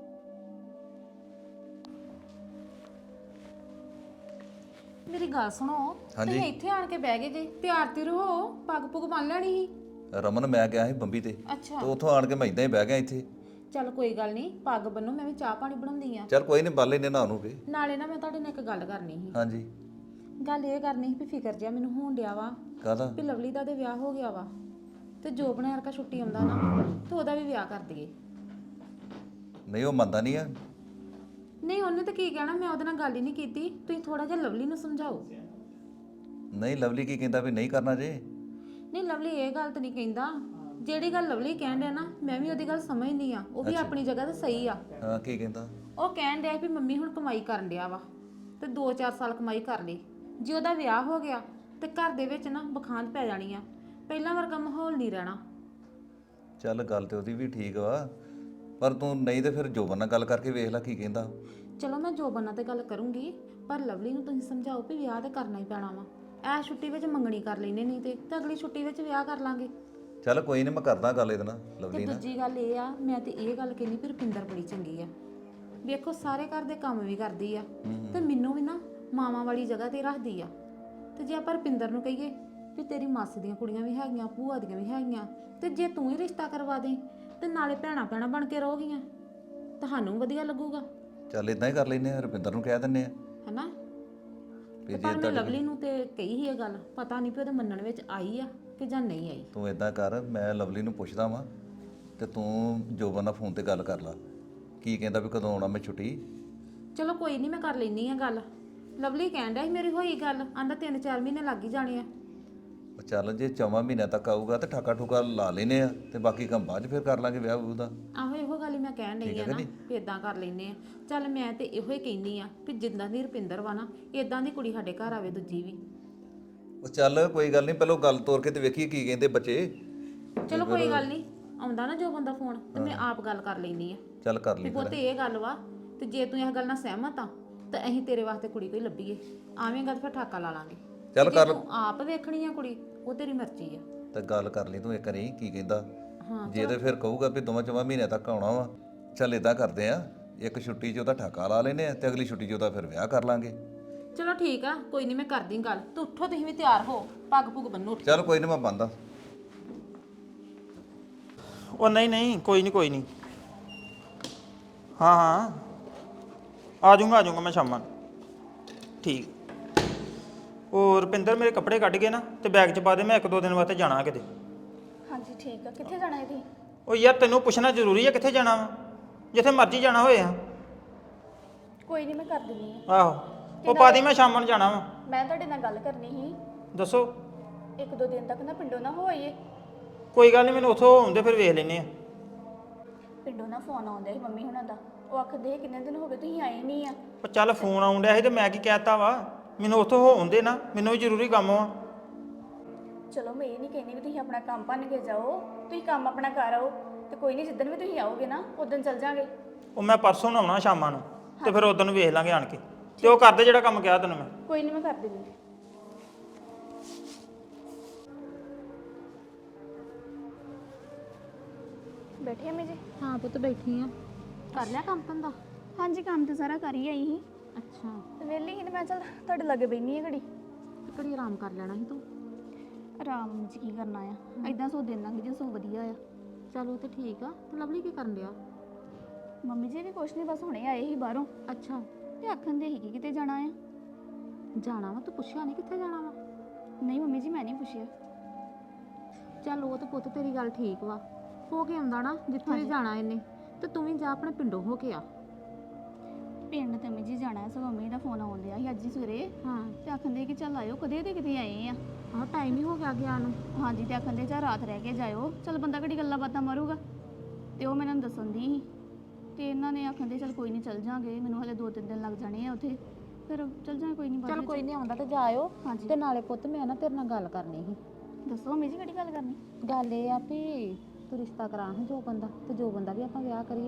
ਮੇਰੀ ਗੱਲ ਸੁਣੋ, ਤੁਸੀਂ ਇੱਥੇ ਆਣ ਕੇ ਬਹਿ ਗਏ ਜੇ, ਤਿਆਰ ਤੇ ਰਹੋ, ਪੱਗ ਪੁੱਗ ਬੰਨ ਲੈਣੀ ਸੀ।
ਰਮਨ ਮੈਂ ਗਿਆ ਸੀ ਬੰਬੀ ਤੇ
ਅੱਛਾ,
ਤੇ ਉੱਥੋਂ ਆਣ ਕੇ ਮੈਂ ਇਦਾਂ ਹੀ ਬਹਿ ਗਿਆ ਇੱਥੇ।
ਚੱਲ ਕੋਈ ਗੱਲ ਨਹੀਂ, ਪੱਗ ਬੰਨੋ, ਮੈਂ ਵੀ ਚਾਹ ਪਾਣੀ ਬਣਾਉਂਦੀ ਆ।
ਚੱਲ ਕੋਈ ਨਹੀਂ, ਬੰਨ ਲੈਨੇ ਨਾ ਨੂੰ ਫੇ।
ਨਾਲੇ ਨਾ ਮੈਂ ਤੁਹਾਡੇ ਨਾਲ ਇੱਕ ਗੱਲ ਕਰਨੀ ਸੀ।
ਹਾਂਜੀ,
ਗੱਲ ਇਹ ਕਰਨੀ ਸੀ ਵੀ ਫਿਕਰ ਜਿਹਾ ਮੈਨੂੰ ਹੋਣ ਡਿਆ ਵਾ
ਕਾਹਦਾ?
ਵੀ ਲਵਲੀ ਦਾ ਤੇ ਵਿਆਹ ਹੋ ਗਿਆ ਵਾ, ਤੇ ਜੋ ਬਣਿਆ ਰਕਾ ਛੁੱਟੀ ਆਉਂਦਾ ਨਾ, ਤੇ ਉਹਦਾ ਵੀ ਵਿਆਹ ਕਰ ਦਈਏ।
ਨਹੀਂ ਉਹ ਮੰਨਦਾ ਨਹੀਂ ਆ।
ਨਹੀਂ, ਉਹਨੇ ਤਾਂ ਕੀ ਕਹਿਣਾ, ਮੈਂ ਉਹਦੇ ਨਾਲ ਗੱਲ ਹੀ ਨਹੀਂ ਕੀਤੀ। ਤੁਸੀਂ ਥੋੜਾ ਜਿਹਾ ਲਵਲੀ ਨੂੰ ਸਮਝਾਓ।
ਨਹੀਂ ਲਵਲੀ ਕੀ ਕਹਿੰਦਾ ਵੀ ਨਹੀਂ ਕਰਨਾ ਜੇ?
ਨਹੀਂ, ਲਵਲੀ ਇਹ ਗੱਲ ਤਾਂ ਨਹੀਂ ਕਹਿੰਦਾ। ਜਿਹੜੀ ਗੱਲ ਲਵਲੀ ਕਹਿਣ ਡਿਆ ਨਾ, ਮੈਂ ਵੀ ਉਹਦੀ ਗੱਲ ਸਮਝਦੀ ਆ, ਉਹ ਵੀ ਆਪਣੀ ਜਗ੍ਹਾ ਤੇ ਸਹੀ ਆ।
ਹਾਂ, ਕੀ ਕਹਿੰਦਾ?
ਉਹ ਕਹਿਣ ਡਿਆ ਵੀ ਮੰਮੀ ਹੁਣ ਕਮਾਈ ਕਰਨ ਡਿਆ ਵਾ, ਤੇ 2-4 ਸਾਲ ਕਮਾਈ ਕਰ ਲਈ। ਜੇ ਉਹਦਾ ਵਿਆਹ ਹੋ ਗਿਆ ਤੇ ਘਰ ਦੇ ਵਿੱਚ ਨਾ ਬਖਾਂਦ ਪੈ ਜਾਣੀ ਆ, ਪਹਿਲਾਂ ਵਰਗਾ ਮਾਹੌਲ ਨਹੀਂ ਰਹਿਣਾ।
ਚੱਲ ਗੱਲ ਤੇ ਉਹਦੀ ਵੀ ਠੀਕ ਵਾ, ਪਰ ਤੂੰ ਨਹੀਂ ਤੇ ਫਿਰ ਜੋਬਨ ਨਾਲ ਗੱਲ ਕਰਕੇ ਵੇਖ ਲੈ ਕੀ ਕਹਿੰਦਾ।
ਚਲੋ ਮੈਂ ਜੋਬਨ ਨਾਲ ਤੇ ਗੱਲ ਕਰੂੰਗੀ, ਪਰ ਲਵਲੀ ਨੂੰ ਤੁਸੀਂ ਸਮਝਾਓ ਵੀ ਵਿਆਹ ਤੇ ਕਰਨਾ ਹੀ ਪੈਣਾ ਵਾ। ਐ ਛੁੱਟੀ ਵਿੱਚ ਮੰਗਣੀ ਕਰ ਲੈਨੇ, ਨਹੀਂ ਤੇ ਅਗਲੀ ਛੁੱਟੀ ਵਿੱਚ ਵਿਆਹ ਕਰ ਲਾਂਗੇ।
ਚੱਲ ਕੋਈ ਨਹੀਂ, ਮੈਂ ਕਰਦਾ ਗੱਲ ਇਹਦੇ ਨਾਲ,
ਤੇ
ਲਵਲੀ ਨਾਲ।
ਦੂਜੀ ਗੱਲ ਇਹ ਆ, ਮੈਂ ਤੇ ਇਹ ਗੱਲ ਕਹਿੰਦੀ ਵੀ ਰੁਪਿੰਦਰ ਬੜੀ ਚੰਗੀ ਆ। ਵੇਖੋ, ਸਾਰੇ ਘਰ ਦੇ ਕੰਮ ਵੀ ਕਰਦੀ ਆ, ਤੇ ਮੈਨੂੰ ਵੀ ਨਾ ਮਾਵਾਂ ਵਾਲੀ ਜਗ੍ਹਾ ਤੇ ਰੱਖਦੀ ਆ। ਤੇ ਜੇ ਆਪਾਂ ਰੁਪਿੰਦਰ ਨੂੰ ਕਹੀਏ ਵੀ ਤੇਰੀ ਮਾਸੀ ਦੀਆਂ ਕੁੜੀਆਂ ਵੀ ਹੈਗੀਆਂ, ਭੂਆ ਦੀਆਂ ਵੀ ਹੈਗੀਆਂ, ਤੇ ਜੇ ਤੂੰ ਹੀ ਰਿਸ਼ਤਾ ਕਰਵਾ ਦੇ ਤੇ ਨਾਲੇ ਭੈਣਾਂ ਬਣ ਕੇ ਰਹੋਗੀਆਂ, ਤੁਹਾਨੂੰ ਵਧੀਆ ਲੱਗੂਗਾ।
ਚੱਲ ਇਦਾਂ ਹੀ ਕਰ ਲੈਨੇ ਆ, ਰੁਪਿੰਦਰ ਨੂੰ ਕਹਿ ਦਿੰਨੇ ਆ
ਹੈਨਾ?
ਵੀ
ਪਰ ਮੈਂ ਲਵਲੀ ਨੂੰ ਤੇ ਕਹੀ ਹੀ ਇਹ ਗੱਲ, ਪਤਾ ਨਹੀਂ ਵੀ ਉਹਦੇ ਮੰਨਣ ਵਿੱਚ ਆਈ ਆ ਕਿ ਜਾਂ ਨਹੀਂ ਆਈ।
ਤੂੰ ਇਦਾਂ ਕਰ, ਮੈਂ ਲਵਲੀ ਨੂੰ ਪੁੱਛਦਾ ਵਾਂ ਤੇ ਤੂੰ ਜੋਬਨ ਨਾਲ ਫੋਨ ਤੇ ਗੱਲ ਕਰ ਲਾ, ਕੀ ਕਹਿੰਦਾ ਵੀ ਕਦੋਂ ਆਉਣਾ ਮੈਂ ਛੁੱਟੀ।
ਚਲੋ ਕੋਈ ਨਹੀਂ, ਮੈਂ ਕਰ ਲੈਣੀ ਆ ਗੱਲ। ਲਵਲੀ ਕਹਿਣ ਡਿਆ ਸੀ ਮੇਰੀ ਹੋਈ ਗੱਲ, ਆਂਦਾ 3-4 ਮਹੀਨੇ ਲੱਗ ਹੀ ਜਾਣੇ ਆ।
ਉਹ ਚੱਲ ਜੇ 4 ਮਹੀਨਿਆਂ ਤੱਕ ਆਊਗਾ ਤੇ ਠਾਕਾ ਠੁਕਾ ਲਾ ਲੈਨੇ ਆ, ਤੇ ਬਾਕੀ ਕੰਮ ਬਾਅਦ 'ਚ ਫਿਰ ਕਰ ਲਾਂਗੇ ਵਿਆਹ ਵੂਹ ਦਾ।
ਆਹੋ, ਇਹੋ ਗੱਲ ਹੀ ਮੈਂ ਕਹਿਣ ਡਈ ਆ ਨਾ ਵੀ ਇਦਾਂ ਕਰ ਲੈਨੇ ਆ। ਚੱਲ ਮੈਂ ਤੇ ਇਹੋ ਹੀ ਕਹਿੰਦੀ ਆ ਵੀ ਜਿੱਦਾਂ ਦੀ ਰੁਪਿੰਦਰ ਵਾ ਨਾ, ਇਦਾਂ ਦੀ ਕੁੜੀ ਸਾਡੇ ਘਰ ਆਵੇ ਦੂਜੀ ਵੀ।
ਉਹ ਚੱਲ ਕੋਈ ਗੱਲ ਨਹੀਂ, ਪਹਿਲਾਂ ਗੱਲ ਤੋਰ ਕੇ ਤੇ ਵੇਖੀਏ ਕੀ ਕਹਿੰਦੇ ਬੱਚੇ,
ਚਲੋ ਕੋਈ ਗੱਲ ਨਹੀਂ, ਆਉਂਦਾ ਨਾ ਜੋ ਬੰਦਾ ਫੋਨ ਤੇ ਮੈਂ ਆਪ ਗੱਲ ਕਰ ਲੈਣੀ ਆ
ਚੱਲ ਕਰ
ਵੀ
ਲਈ
ਪੁੱਤ ਇਹ ਗੱਲ ਵਾ, ਤੇ ਜੇ ਤੂੰ ਇਸ ਗੱਲ ਨਾਲ ਸਹਿਮਤ ਆ ਤਾਂ ਅਸੀਂ ਤੇਰੇ ਵਾਸਤੇ ਕੁੜੀ ਕੋਈ ਲੱਭੀਏ, ਆਵੇਂਗਾ ਤਾਂ ਫਿਰ ਠਾਕਾ ਲਾ ਲਾਂਗੇ।
ਚੱਲ
ਜੇ
ਕਰ
ਤੂੰ ਆਪ ਵੇਖਣੀ ਆ ਕੁੜੀ, ਉਹ ਤੇਰੀ ਮਰਜ਼ੀ ਆ।
ਤੇ ਗੱਲ ਕਰ ਲਈ ਤੂੰ ਇੱਕ ਵਾਰੀ ਕੀ ਕਹਿੰਦਾ।
ਹਾਂ
ਜੇ ਤੇ ਫਿਰ ਕਹੂਗਾ ਵੀ ਦੋਵਾਂ ਚੋਵਾਂ ਮਹੀਨਿਆਂ ਤੱਕ ਆਉਣਾ ਵਾ, ਚੱਲ ਇਦਾਂ ਕਰਦੇ ਆ, ਇੱਕ ਛੁੱਟੀ 'ਚ ਉਹਦਾ ਠਾਕਾ ਲਾ ਲੈਨੇ ਆ ਤੇ ਅਗਲੀ ਛੁੱਟੀ 'ਚ ਉਹਦਾ ਫਿਰ ਵਿਆਹ ਕਰ ਲਾਂਗੇ।
ਚਲੋ ਠੀਕ ਆ, ਕੋਈ ਨਹੀਂ ਮੈਂ ਕਰਦੀ ਗੱਲ। ਤੂੰ ਉੱਠੋ, ਤੁਸੀਂ ਵੀ ਤਿਆਰ ਹੋ, ਪੱਗ ਪੁੱਗ ਬੰਨੋ ਉੱਠ।
ਚੱਲ ਕੋਈ ਨਹੀਂ ਮੈਂ ਬੰਦਾ।
ਉਹ ਨਹੀਂ ਨਹੀਂ, ਕੋਈ ਨਹੀਂ ਕੋਈ ਨਹੀਂ। ਹਾਂ ਹਾਂ, ਆ ਜਾਊਂਗਾ ਮੈਂ ਸ਼ਾਮਾਂ ਨੂੰ। ਠੀਕ। ਉਹ ਰੁਪਿੰਦਰ ਮੇਰੇ ਕੱਪੜੇ ਕੱਢ ਕੇ ਨਾ ਤੇ ਬੈਗ 'ਚ ਪਾ ਦੇ, ਮੈਂ 1-2 ਦਿਨ ਵਾਸਤੇ ਜਾਣਾ ਕਿਤੇ।
ਹਾਂਜੀ ਠੀਕ ਆ। ਕਿੱਥੇ ਜਾਣਾ ਹੈ ਤੁਸੀਂ?
ਉਹ ਯਾਰ ਤੈਨੂੰ ਪੁੱਛਣਾ ਜ਼ਰੂਰੀ ਹੈ ਕਿੱਥੇ ਜਾਣਾ ਵਾ? ਜਿੱਥੇ ਮਰਜ਼ੀ ਜਾਣਾ ਹੋਏ ਆ।
ਕੋਈ ਨਹੀਂ, ਮੈਂ ਕਰ ਦਿੰਦੀ ਆ।
ਆਹੋ, ਉਹ ਪਾ ਦੀ, ਮੈਂ ਸ਼ਾਮਾਂ ਨੂੰ ਜਾਣਾ ਵਾ।
ਮੈਂ ਤੁਹਾਡੇ ਨਾਲ ਗੱਲ ਕਰਨੀ ਸੀ।
ਦੱਸੋ।
1-2 ਦਿਨ ਤੱਕ ਨਾ ਪਿੰਡੋਂ ਨਾ ਹੋਈਏ।
ਕੋਈ ਗੱਲ ਨਹੀਂ, ਮੈਨੂੰ ਉੱਥੋਂ ਆਉਂਦੇ ਫਿਰ ਵੇਖ ਲੈਨੇ ਆ।
ਪਿੰਡੋਂ ਨਾ ਫੋਨ ਆਉਂਦਾ ਸੀ ਮੰਮੀ ਹੁਣਾਂ ਦਾ, ਉਹ ਆਖਦੇ ਕਿੰਨੇ ਦਿਨ ਹੋ ਗਏ ਤੁਸੀਂ ਆਏ ਨਹੀਂ ਆ।
ਉਹ ਚੱਲ ਫੋਨ ਆਉਣ ਡਿਆ ਸੀ ਤੇ ਮੈਂ ਕੀ ਕਹਿਤਾ ਵਾ, ਮੈਨੂੰ ਉੱਥੋਂ ਹੋ ਆਉਂਦੇ ਨਾ, ਮੈਨੂੰ ਵੀ ਜ਼ਰੂਰੀ ਕੰਮ ਵਾ।
ਚਲੋ ਮੈਂ ਇਹ ਨਹੀਂ ਕਹਿੰਦੀ ਵੀ ਤੁਸੀਂ ਆਪਣਾ ਕੰਮ ਭੰਨ ਕੇ ਜਾਓ, ਤੁਸੀਂ ਕੰਮ ਆਪਣਾ ਕਰ ਆਓ, ਤੇ ਕੋਈ ਨਹੀਂ ਜਿੱਦਣ ਵੀ ਤੁਸੀਂ ਆਓਗੇ ਨਾ ਉਦੋਂ ਚੱਲ ਜਾਾਂਗੇ।
ਉਹ ਮੈਂ ਪਰਸੋਂ ਨੂੰ ਆਉਣਾ ਸ਼ਾਮਾਂ ਨੂੰ, ਤੇ ਫਿਰ ਉਦੋਂ ਨੂੰ ਵੇਖ ਲਾਂਗੇ ਆਣ ਕੇ। ਤੇ ਉਹ ਕਰਦੇ ਜਿਹੜਾ ਕੰਮ ਕਿਹਾ ਤੈਨੂੰ ਮੈਂ।
ਕੋਈ ਨਹੀਂ, ਮੈਂ ਕਰ ਦਿੰਦੀ। ਬੈਠੇ ਅਮੀ ਜੀ?
ਹਾਂ ਪੁੱਤ ਬੈਠੀ ਆ। ਕਰ ਲਿਆ ਕੰਮ ਧੰਦਾ?
ਹਾਂਜੀ, ਕੰਮ ਤੇ ਸਾਰਾ ਕਰ ਹੀ ਆਈ ਸੀ।
ਅੱਛਾ,
ਤੇ ਵਿਹਲੀ ਸੀ ਤੇ ਮੈਂ ਚੱਲ ਤੁਹਾਡੇ ਲਾਗੇ ਬੈਠੀ ਆ ਘੜੀ।
ਘੜੀ ਆਰਾਮ ਕਰ ਲੈਣਾ ਸੀ ਤੂੰ।
ਆਰਾਮ ਜੀ ਕੀ ਕਰਨਾ ਆ, ਐਦਾਂ ਸੋ ਦਿਨ ਲੰਘ ਜੇ ਸੋ ਵਧੀਆ ਆ।
ਚਲੋ ਤੇ ਠੀਕ ਆ। ਤੇ ਲਵਲੀ ਕੀ ਕਰਨ ਡਿਆ?
ਮੰਮੀ ਜੀ ਵੀ ਕੁਛ ਨਹੀਂ, ਬਸ ਹੁਣੇ ਆਏ ਸੀ ਬਾਹਰੋਂ
ਅੱਛਾ,
ਤੇ ਆਖਣ ਦੇ ਸੀ ਕਿ ਕਿਤੇ ਜਾਣਾ ਆ।
ਜਾਣਾ ਵਾ? ਤੂੰ ਪੁੱਛਿਆ ਨਹੀਂ ਕਿੱਥੇ ਜਾਣਾ ਵਾ?
ਨਹੀਂ ਮੰਮੀ ਜੀ, ਮੈਂ ਨਹੀਂ ਪੁੱਛਿਆ।
ਚੱਲ ਉਹ ਤੇ ਪੁੱਤ ਤੇਰੀ ਗੱਲ ਠੀਕ ਵਾ, ਹੋ ਕੇ ਆਉਂਦਾ ਨਾ ਜਿੱਥੇ ਵੀ ਜਾਣਾ ਇਹਨੇ, ਤੇ ਤੂੰ ਵੀ ਜਾ ਆਪਣੇ ਪਿੰਡੋਂ ਹੋ ਕੇ ਆ।
ਪਿੰਡ ਤੇ ਮੰਮੀ ਜੀ ਜਾਣਾ, ਸੋ ਮੰਮੀ ਦਾ ਫੋਨ ਆਉਣ ਡਿਆ ਸੀ ਅੱਜ ਹੀ ਸਵੇਰੇ,
ਹਾਂ,
ਤੇ ਆਖਣ ਦੇ ਕਿ ਚੱਲ ਆਇਓ, ਕਦੇ ਤੇ ਕਿਤੇ ਆਏ ਆ।
ਆਹ ਟਾਈਮ ਹੀ ਹੋ ਗਿਆ ਗਿਆ ਨੂੰ।
ਹਾਂਜੀ, ਤੇ ਆਖਣ ਦੇ ਚੱਲ ਰਾਤ ਰਹਿ ਕੇ ਜਾਇਓ, ਚੱਲ ਬੰਦਾ ਘੜੀ ਗੱਲਾਂ ਬਾਤਾਂ ਮਾਰੂਗਾ। ਤੇ ਉਹ ਮੈਨੂੰ ਦੱਸਣ ਦੀ ਸੀ, ਤੇ ਇਹਨਾਂ ਨੇ ਆਖਣ ਦੇ ਚੱਲ ਕੋਈ ਨਹੀਂ ਚੱਲ ਜਾਾਂਗੇ, ਮੈਨੂੰ ਹਲੇ 2-3 ਦਿਨ ਲੱਗ ਜਾਣੇ ਆ ਉੱਥੇ, ਫਿਰ ਚੱਲ ਜਾਾਂਗੇ ਕੋਈ ਨਹੀਂ।
ਚੱਲ ਕੋਈ ਨਹੀਂ, ਆਉਂਦਾ ਤੇ ਜਾਇਓ।
ਹਾਂਜੀ।
ਤੇ ਨਾਲੇ ਪੁੱਤ ਮੈਂ ਨਾ ਤੇਰੇ ਨਾਲ ਗੱਲ ਕਰਨੀ ਸੀ।
ਦੱਸੋ ਮੰਮੀ ਜੀ, ਕਿਹੜੀ ਗੱਲ ਕਰਨੀ?
ਗੱਲ ਇਹ ਆ ਵੀ ਤੂੰ ਰਿਸ਼ਤਾ ਕਰਾ ਹਾਂ ਜੋ ਬੰਦਾ, ਤੇ ਜੋ ਬੰਦਾ ਵੀ ਆਪਾਂ ਵਿਆਹ ਕਰੀਏ।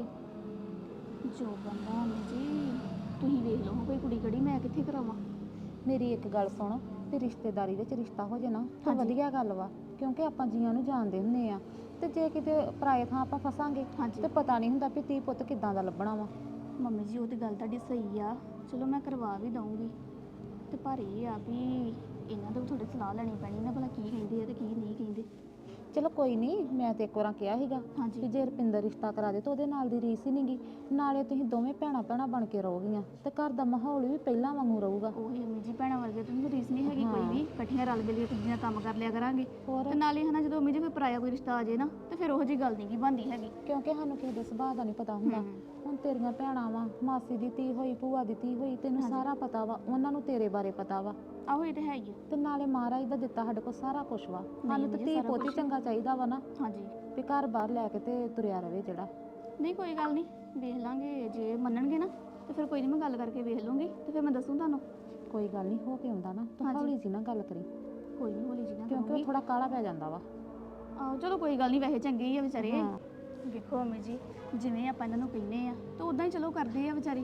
ਜੋ ਬੰਦਾ ਮੰਮੀ ਜੀ ਤੁਸੀਂ ਵੇਖ ਲਓ ਕੋਈ ਕੁੜੀ ਕਿਹੜੀ, ਮੈਂ ਕਿੱਥੇ ਕਰਾਵਾਂ?
ਮੇਰੀ ਇੱਕ ਗੱਲ ਸੁਣ, ਤੇ ਰਿਸ਼ਤੇਦਾਰੀ ਵਿੱਚ ਰਿਸ਼ਤਾ ਹੋ ਜੇ ਨਾ ਤਾਂ ਵਧੀਆ ਗੱਲ ਵਾ, ਕਿਉਂਕਿ ਆਪਾਂ ਜੀਆਂ ਨੂੰ ਜਾਣਦੇ ਹੁੰਦੇ ਆ, ਤੇ ਜੇ ਕਿਤੇ ਪਰਾਏ ਥਾਂ ਆਪਾਂ ਫਸਾਂਗੇ ਤੇ ਪਤਾ ਨਹੀਂ ਹੁੰਦਾ ਵੀ ਧੀ ਪੁੱਤ ਕਿੱਦਾਂ ਦਾ ਲੱਭਣਾ ਵਾ।
ਮੰਮੀ ਜੀ ਉਹ ਤੇ ਗੱਲ ਤੁਹਾਡੀ ਸਹੀ ਆ, ਚਲੋ ਮੈਂ ਕਰਵਾ ਵੀ ਦਊਂਗੀ, ਤੇ ਪਰ ਇਹ ਆ ਵੀ ਇਹਨਾਂ ਤੋਂ ਥੋੜੀ ਸਲਾਹ ਲੈਣੀ ਪੈਣੀ ਨਾ, ਭਲਾ ਕੀ ਕਹਿੰਦੇ ਆ ਤੇ ਕੀ ਨਹੀਂ ਕਹਿੰਦੇ।
ਚਲੋ ਕੋਈ ਨਹੀਂ, ਮੈਂ ਤੇ ਇੱਕ ਵਾਰ ਕਿਹਾ ਸੀਗਾ ਕਿ ਜੇ ਰੁਪਿੰਦਰ ਰਿਸ਼ਤਾ ਕਰਾ ਦੇ ਤਾਂ ਉਹਦੇ ਨਾਲ ਦੀ ਰੀਸ ਹੀ ਨਹੀਂਗੀ, ਨਾਲੇ ਤੁਸੀਂ ਦੋਵੇਂ ਭੈਣਾਂ ਬਣ ਕੇ ਰਹੋਗੀਆਂ, ਤੇ ਘਰ ਦਾ ਮਾਹੌਲ ਵੀ ਪਹਿਲਾਂ ਵਾਂਗੂ ਰਹੂਗਾ।
ਉਹੀ ਮੰਮੀ ਜੀ, ਭੈਣਾਂ ਵਰਗੇ ਤਾਂ ਰੀਸ ਨਹੀਂ ਹੈਗੀ ਕੋਈ ਵੀ, ਇਕੱਠੀਆਂ ਰਲ ਮਿਲ ਕੇ ਕੁੜੀਆਂ ਕੰਮ ਕਰ ਲਿਆ ਕਰਾਂਗੇ। ਤੇ ਨਾਲੇ ਹਨਾ ਜਦੋਂ ਮੰਮੀ ਜੀ ਕੋਈ ਪਰਾਇਆ ਕੋਈ ਰਿਸ਼ਤਾ ਆ ਜੇ ਨਾ, ਤੇ ਫਿਰ ਉਹੋ ਜੀ ਗੱਲ ਨਹੀਂ ਕੀ ਬਣਦੀ ਹੈਗੀ,
ਕਿਉਂਕਿ ਸਾਨੂੰ ਕਿਸੇ ਦੇ ਸੁਭਾਅ ਦਾ ਨਹੀਂ ਪਤਾ ਹੁੰਦਾ। ਹੁਣ ਤੇਰੀਆਂ ਭੈਣਾਂ ਵਾ, ਮਾਸੀ ਦੀ ਧੀ ਹੋਈ, ਭੂਆ ਦੀ ਧੀ ਹੋਈ, ਤੈਨੂੰ ਸਾਰਾ ਪਤਾ ਵਾ, ਉਹਨਾਂ ਨੂੰ ਤੇਰੇ ਬਾਰੇ ਪਤਾ ਵਾ।
ਆਹੋ ਇਹ ਤੇ ਹੈ ਹੀ ਆ।
ਤੇ ਨਾਲੇ ਮਹਾਰਾਜ ਦਾ ਦਿੱਤਾ ਸਾਡੇ ਕੋਲ ਸਾਰਾ ਕੁਝ ਵਾ, ਸਾਨੂੰ ਤੇ ਧੀ ਪੁੱਤ ਹੀ ਚੰਗਾ ਚਾਹੀਦਾ ਵਾ ਨਾ।
ਹਾਂਜੀ,
ਵੀ ਘਰ ਬਾਹਰ ਲੈ ਕੇ ਤੇ ਤੁਰਿਆ ਰਵੇ ਜਿਹੜਾ।
ਨਹੀਂ ਕੋਈ ਗੱਲ ਨਹੀਂ, ਵੇਖ ਲਾਂਗੇ, ਜੇ ਮੰਨਣਗੇ ਨਾ ਤੇ ਫਿਰ ਕੋਈ ਨਹੀਂ, ਮੈਂ ਗੱਲ ਕਰਕੇ ਵੇਖ ਲੂੰਗੀ, ਤੇ ਫਿਰ ਮੈਂ ਦੱਸੂ ਤੁਹਾਨੂੰ।
ਕੋਈ ਗੱਲ ਨਹੀਂ, ਹੋ ਕੇ ਆਉਂਦਾ ਨਾ ਤੂੰ ਹੌਲੀ ਜੀ ਨਾ ਗੱਲ ਕਰੀ,
ਕੋਈ ਨਹੀਂ ਹੌਲੀ ਜੀ ਨਾ,
ਕਿਉਂਕਿ ਉਹ ਥੋੜਾ ਕਾਲਾ ਪੈ ਜਾਂਦਾ ਵਾ।
ਆਹੋ ਚਲੋ ਕੋਈ ਗੱਲ ਨਹੀਂ, ਵੈਸੇ ਚੰਗੇ ਹੀ ਆ ਵਿਚਾਰੇ। ਵੇਖੋ ਮੰਮੀ ਜੀ, ਜਿਵੇਂ ਆਪਾਂ ਇਹਨਾਂ ਨੂੰ ਕਹਿੰਦੇ ਆ ਤਾਂ ਉਦਾਂ ਹੀ ਚਲੋ ਕਰਦੇ ਆ ਵਿਚਾਰੇ।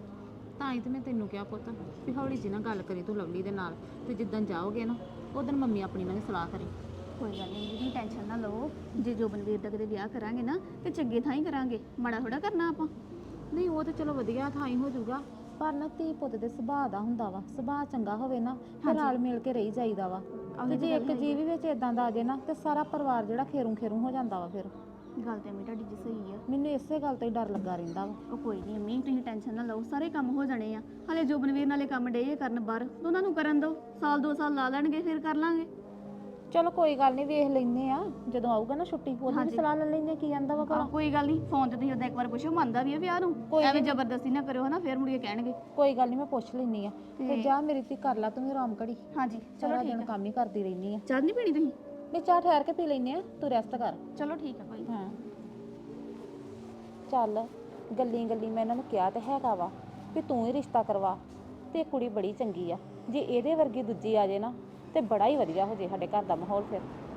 ਤਾਂ ਹੀ ਤੇ ਮੈਂ ਤੈਨੂੰ ਕਿਹਾ ਪੁੱਤ ਵੀ ਹੌਲੀ ਜੀ ਨਾ ਗੱਲ ਕਰੀ ਤੂੰ ਲਵਲੀ ਦੇ ਨਾਲ, ਤੇ ਜਿੱਦਣ ਜਾਓਗੇ ਨਾ ਉਦੋਂ ਮੰਮੀ ਆਪਣੀ ਨਾਲ ਸਲਾਹ ਕਰੀ।
ਕੋਈ ਗੱਲ ਨਹੀਂ ਜੀ, ਟੈਨਸ਼ਨ ਨਾ ਲਓ, ਜੇ ਜੋਬਨਵੀਰ ਦਾ ਕਿਤੇ ਵਿਆਹ ਕਰਾਂਗੇ ਨਾ ਤੇ ਚੰਗੇ ਥਾਂ ਹੀ ਕਰਾਂਗੇ, ਮਾੜਾ ਥੋੜਾ ਕਰਨਾ ਆਪਾਂ।
ਨਹੀਂ ਉਹ ਤੇ ਚਲੋ ਵਧੀਆ ਥਾਂ ਹੀ ਹੋ ਜਾਊਗਾ, ਪਰ ਨਾ ਧੀ ਪੁੱਤ ਦੇ ਸੁਭਾਅ ਦਾ ਹੁੰਦਾ ਵਾ, ਸੁਭਾਅ ਚੰਗਾ ਹੋਵੇ ਨਾ ਫਿਰ ਰਲ ਮਿਲ ਕੇ ਰਹੀ ਜਾਈਦਾ ਵਾ। ਤੇ ਜੇ ਇੱਕ ਜੀਵ ਵਿੱਚ ਇਦਾਂ ਦਾ ਆ ਜੇ ਨਾ ਤੇ ਸਾਰਾ ਪਰਿਵਾਰ ਜਿਹੜਾ ਖੇਰੂ ਹੋ ਜਾਂਦਾ ਵਾ। ਫਿਰ
ਗੱਲ ਤੇ ਤੁਹਾਡੀ ਜੀ ਸਹੀ ਆ,
ਮੈਨੂੰ ਇਸੇ ਗੱਲ ਤੋਂ ਹੀ ਡਰ ਲੱਗਾ ਰਹਿੰਦਾ ਵਾ।
ਉਹ ਕੋਈ ਨਹੀਂ ਅੰਮੀ, ਤੁਸੀਂ ਟੈਨਸ਼ਨ ਨਾ ਲਓ, ਸਾਰੇ ਕੰਮ ਹੋ ਜਾਣੇ ਆ। ਹਲੇ ਜੋਬਨਵੀਰ ਨਾਲੇ ਕੰਮ ਡੇ ਕਰਨ ਬਾਹਰ, ਉਹਨਾਂ ਨੂੰ ਕਰਨ ਦਿਓ, 1-2 ਸਾਲ ਲਾ ਲੈਣਗੇ, ਫਿਰ ਕਰ ਲਾਂਗੇ।
ਚਲੋ ਕੋਈ ਗੱਲ ਨਹੀਂ, ਵੇਖ ਲੈਨੇ ਆ, ਜਦੋਂ ਆਊਗਾ ਨਾ ਛੁੱਟੀ ਉਦੋਂ ਵੀ ਸਲਾਹ ਲੈ ਲੈਨੇ ਕੀ ਆਂਦਾ ਵਾ ਭਲਾ।
ਕੋਈ ਗੱਲ ਨਹੀਂ, ਫੋਨ ਤੇ ਤੁਸੀਂ ਉਹਦਾ ਇੱਕ ਵਾਰ ਪੁੱਛੋ, ਮੰਨਦਾ ਵੀ ਆ ਵਿਆਹ ਨੂੰ, ਐਵੇਂ ਜ਼ਬਰਦਸਤੀ ਨਾ ਕਰਿਓ ਹਨਾ, ਫਿਰ ਮੁੜ ਕੇ ਕਹਿਣਗੇ।
ਕੋਈ ਗੱਲ ਨਹੀਂ, ਮੈਂ ਪੁੱਛ ਲੈਨੀ ਆ। ਤੇ ਜਾ ਮੇਰੀ ਧੀ ਕਰ ਲਾ ਤੂੰ ਵੀ ਆਰਾਮ ਘੜੀ।
ਹਾਂਜੀ
ਚਲੋ ਠੀਕ, ਕੰਮ ਹੀ ਕਰਦੀ ਰਹਿਨੀ ਆ।
ਚਾਹ ਨਹੀਂ ਪੀਣੀ ਤੁਸੀਂ?
ਨਹੀਂ, ਚਾਹ ਠਹਿਰ ਕੇ ਪੀ ਲੈਨੇ ਆ, ਤੂੰ ਰੈਸਟ ਕਰ।
ਚਲੋ ਠੀਕ ਆ ਭਾਈ।
ਹਾਂ ਚੱਲ, ਗੱਲੀ ਮੈਂ ਇਹਨਾਂ ਨੂੰ ਕਿਹਾ ਤੇ ਹੈਗਾ ਵਾ ਵੀ ਤੂੰ ਹੀ ਰਿਸ਼ਤਾ ਕਰਵਾ, ਤੇ ਕੁੜੀ ਬੜੀ ਚੰਗੀ ਆ, ਜੇ ਇਹਦੇ ਵਰਗੀ ਦੂਜੀ ਆ ਜੇ ਨਾ ਤੇ ਬੜਾ ਹੀ ਵਧੀਆ ਹੋ ਜੇ ਸਾਡੇ ਘਰ ਦਾ ਮਾਹੌਲ। ਫਿਰ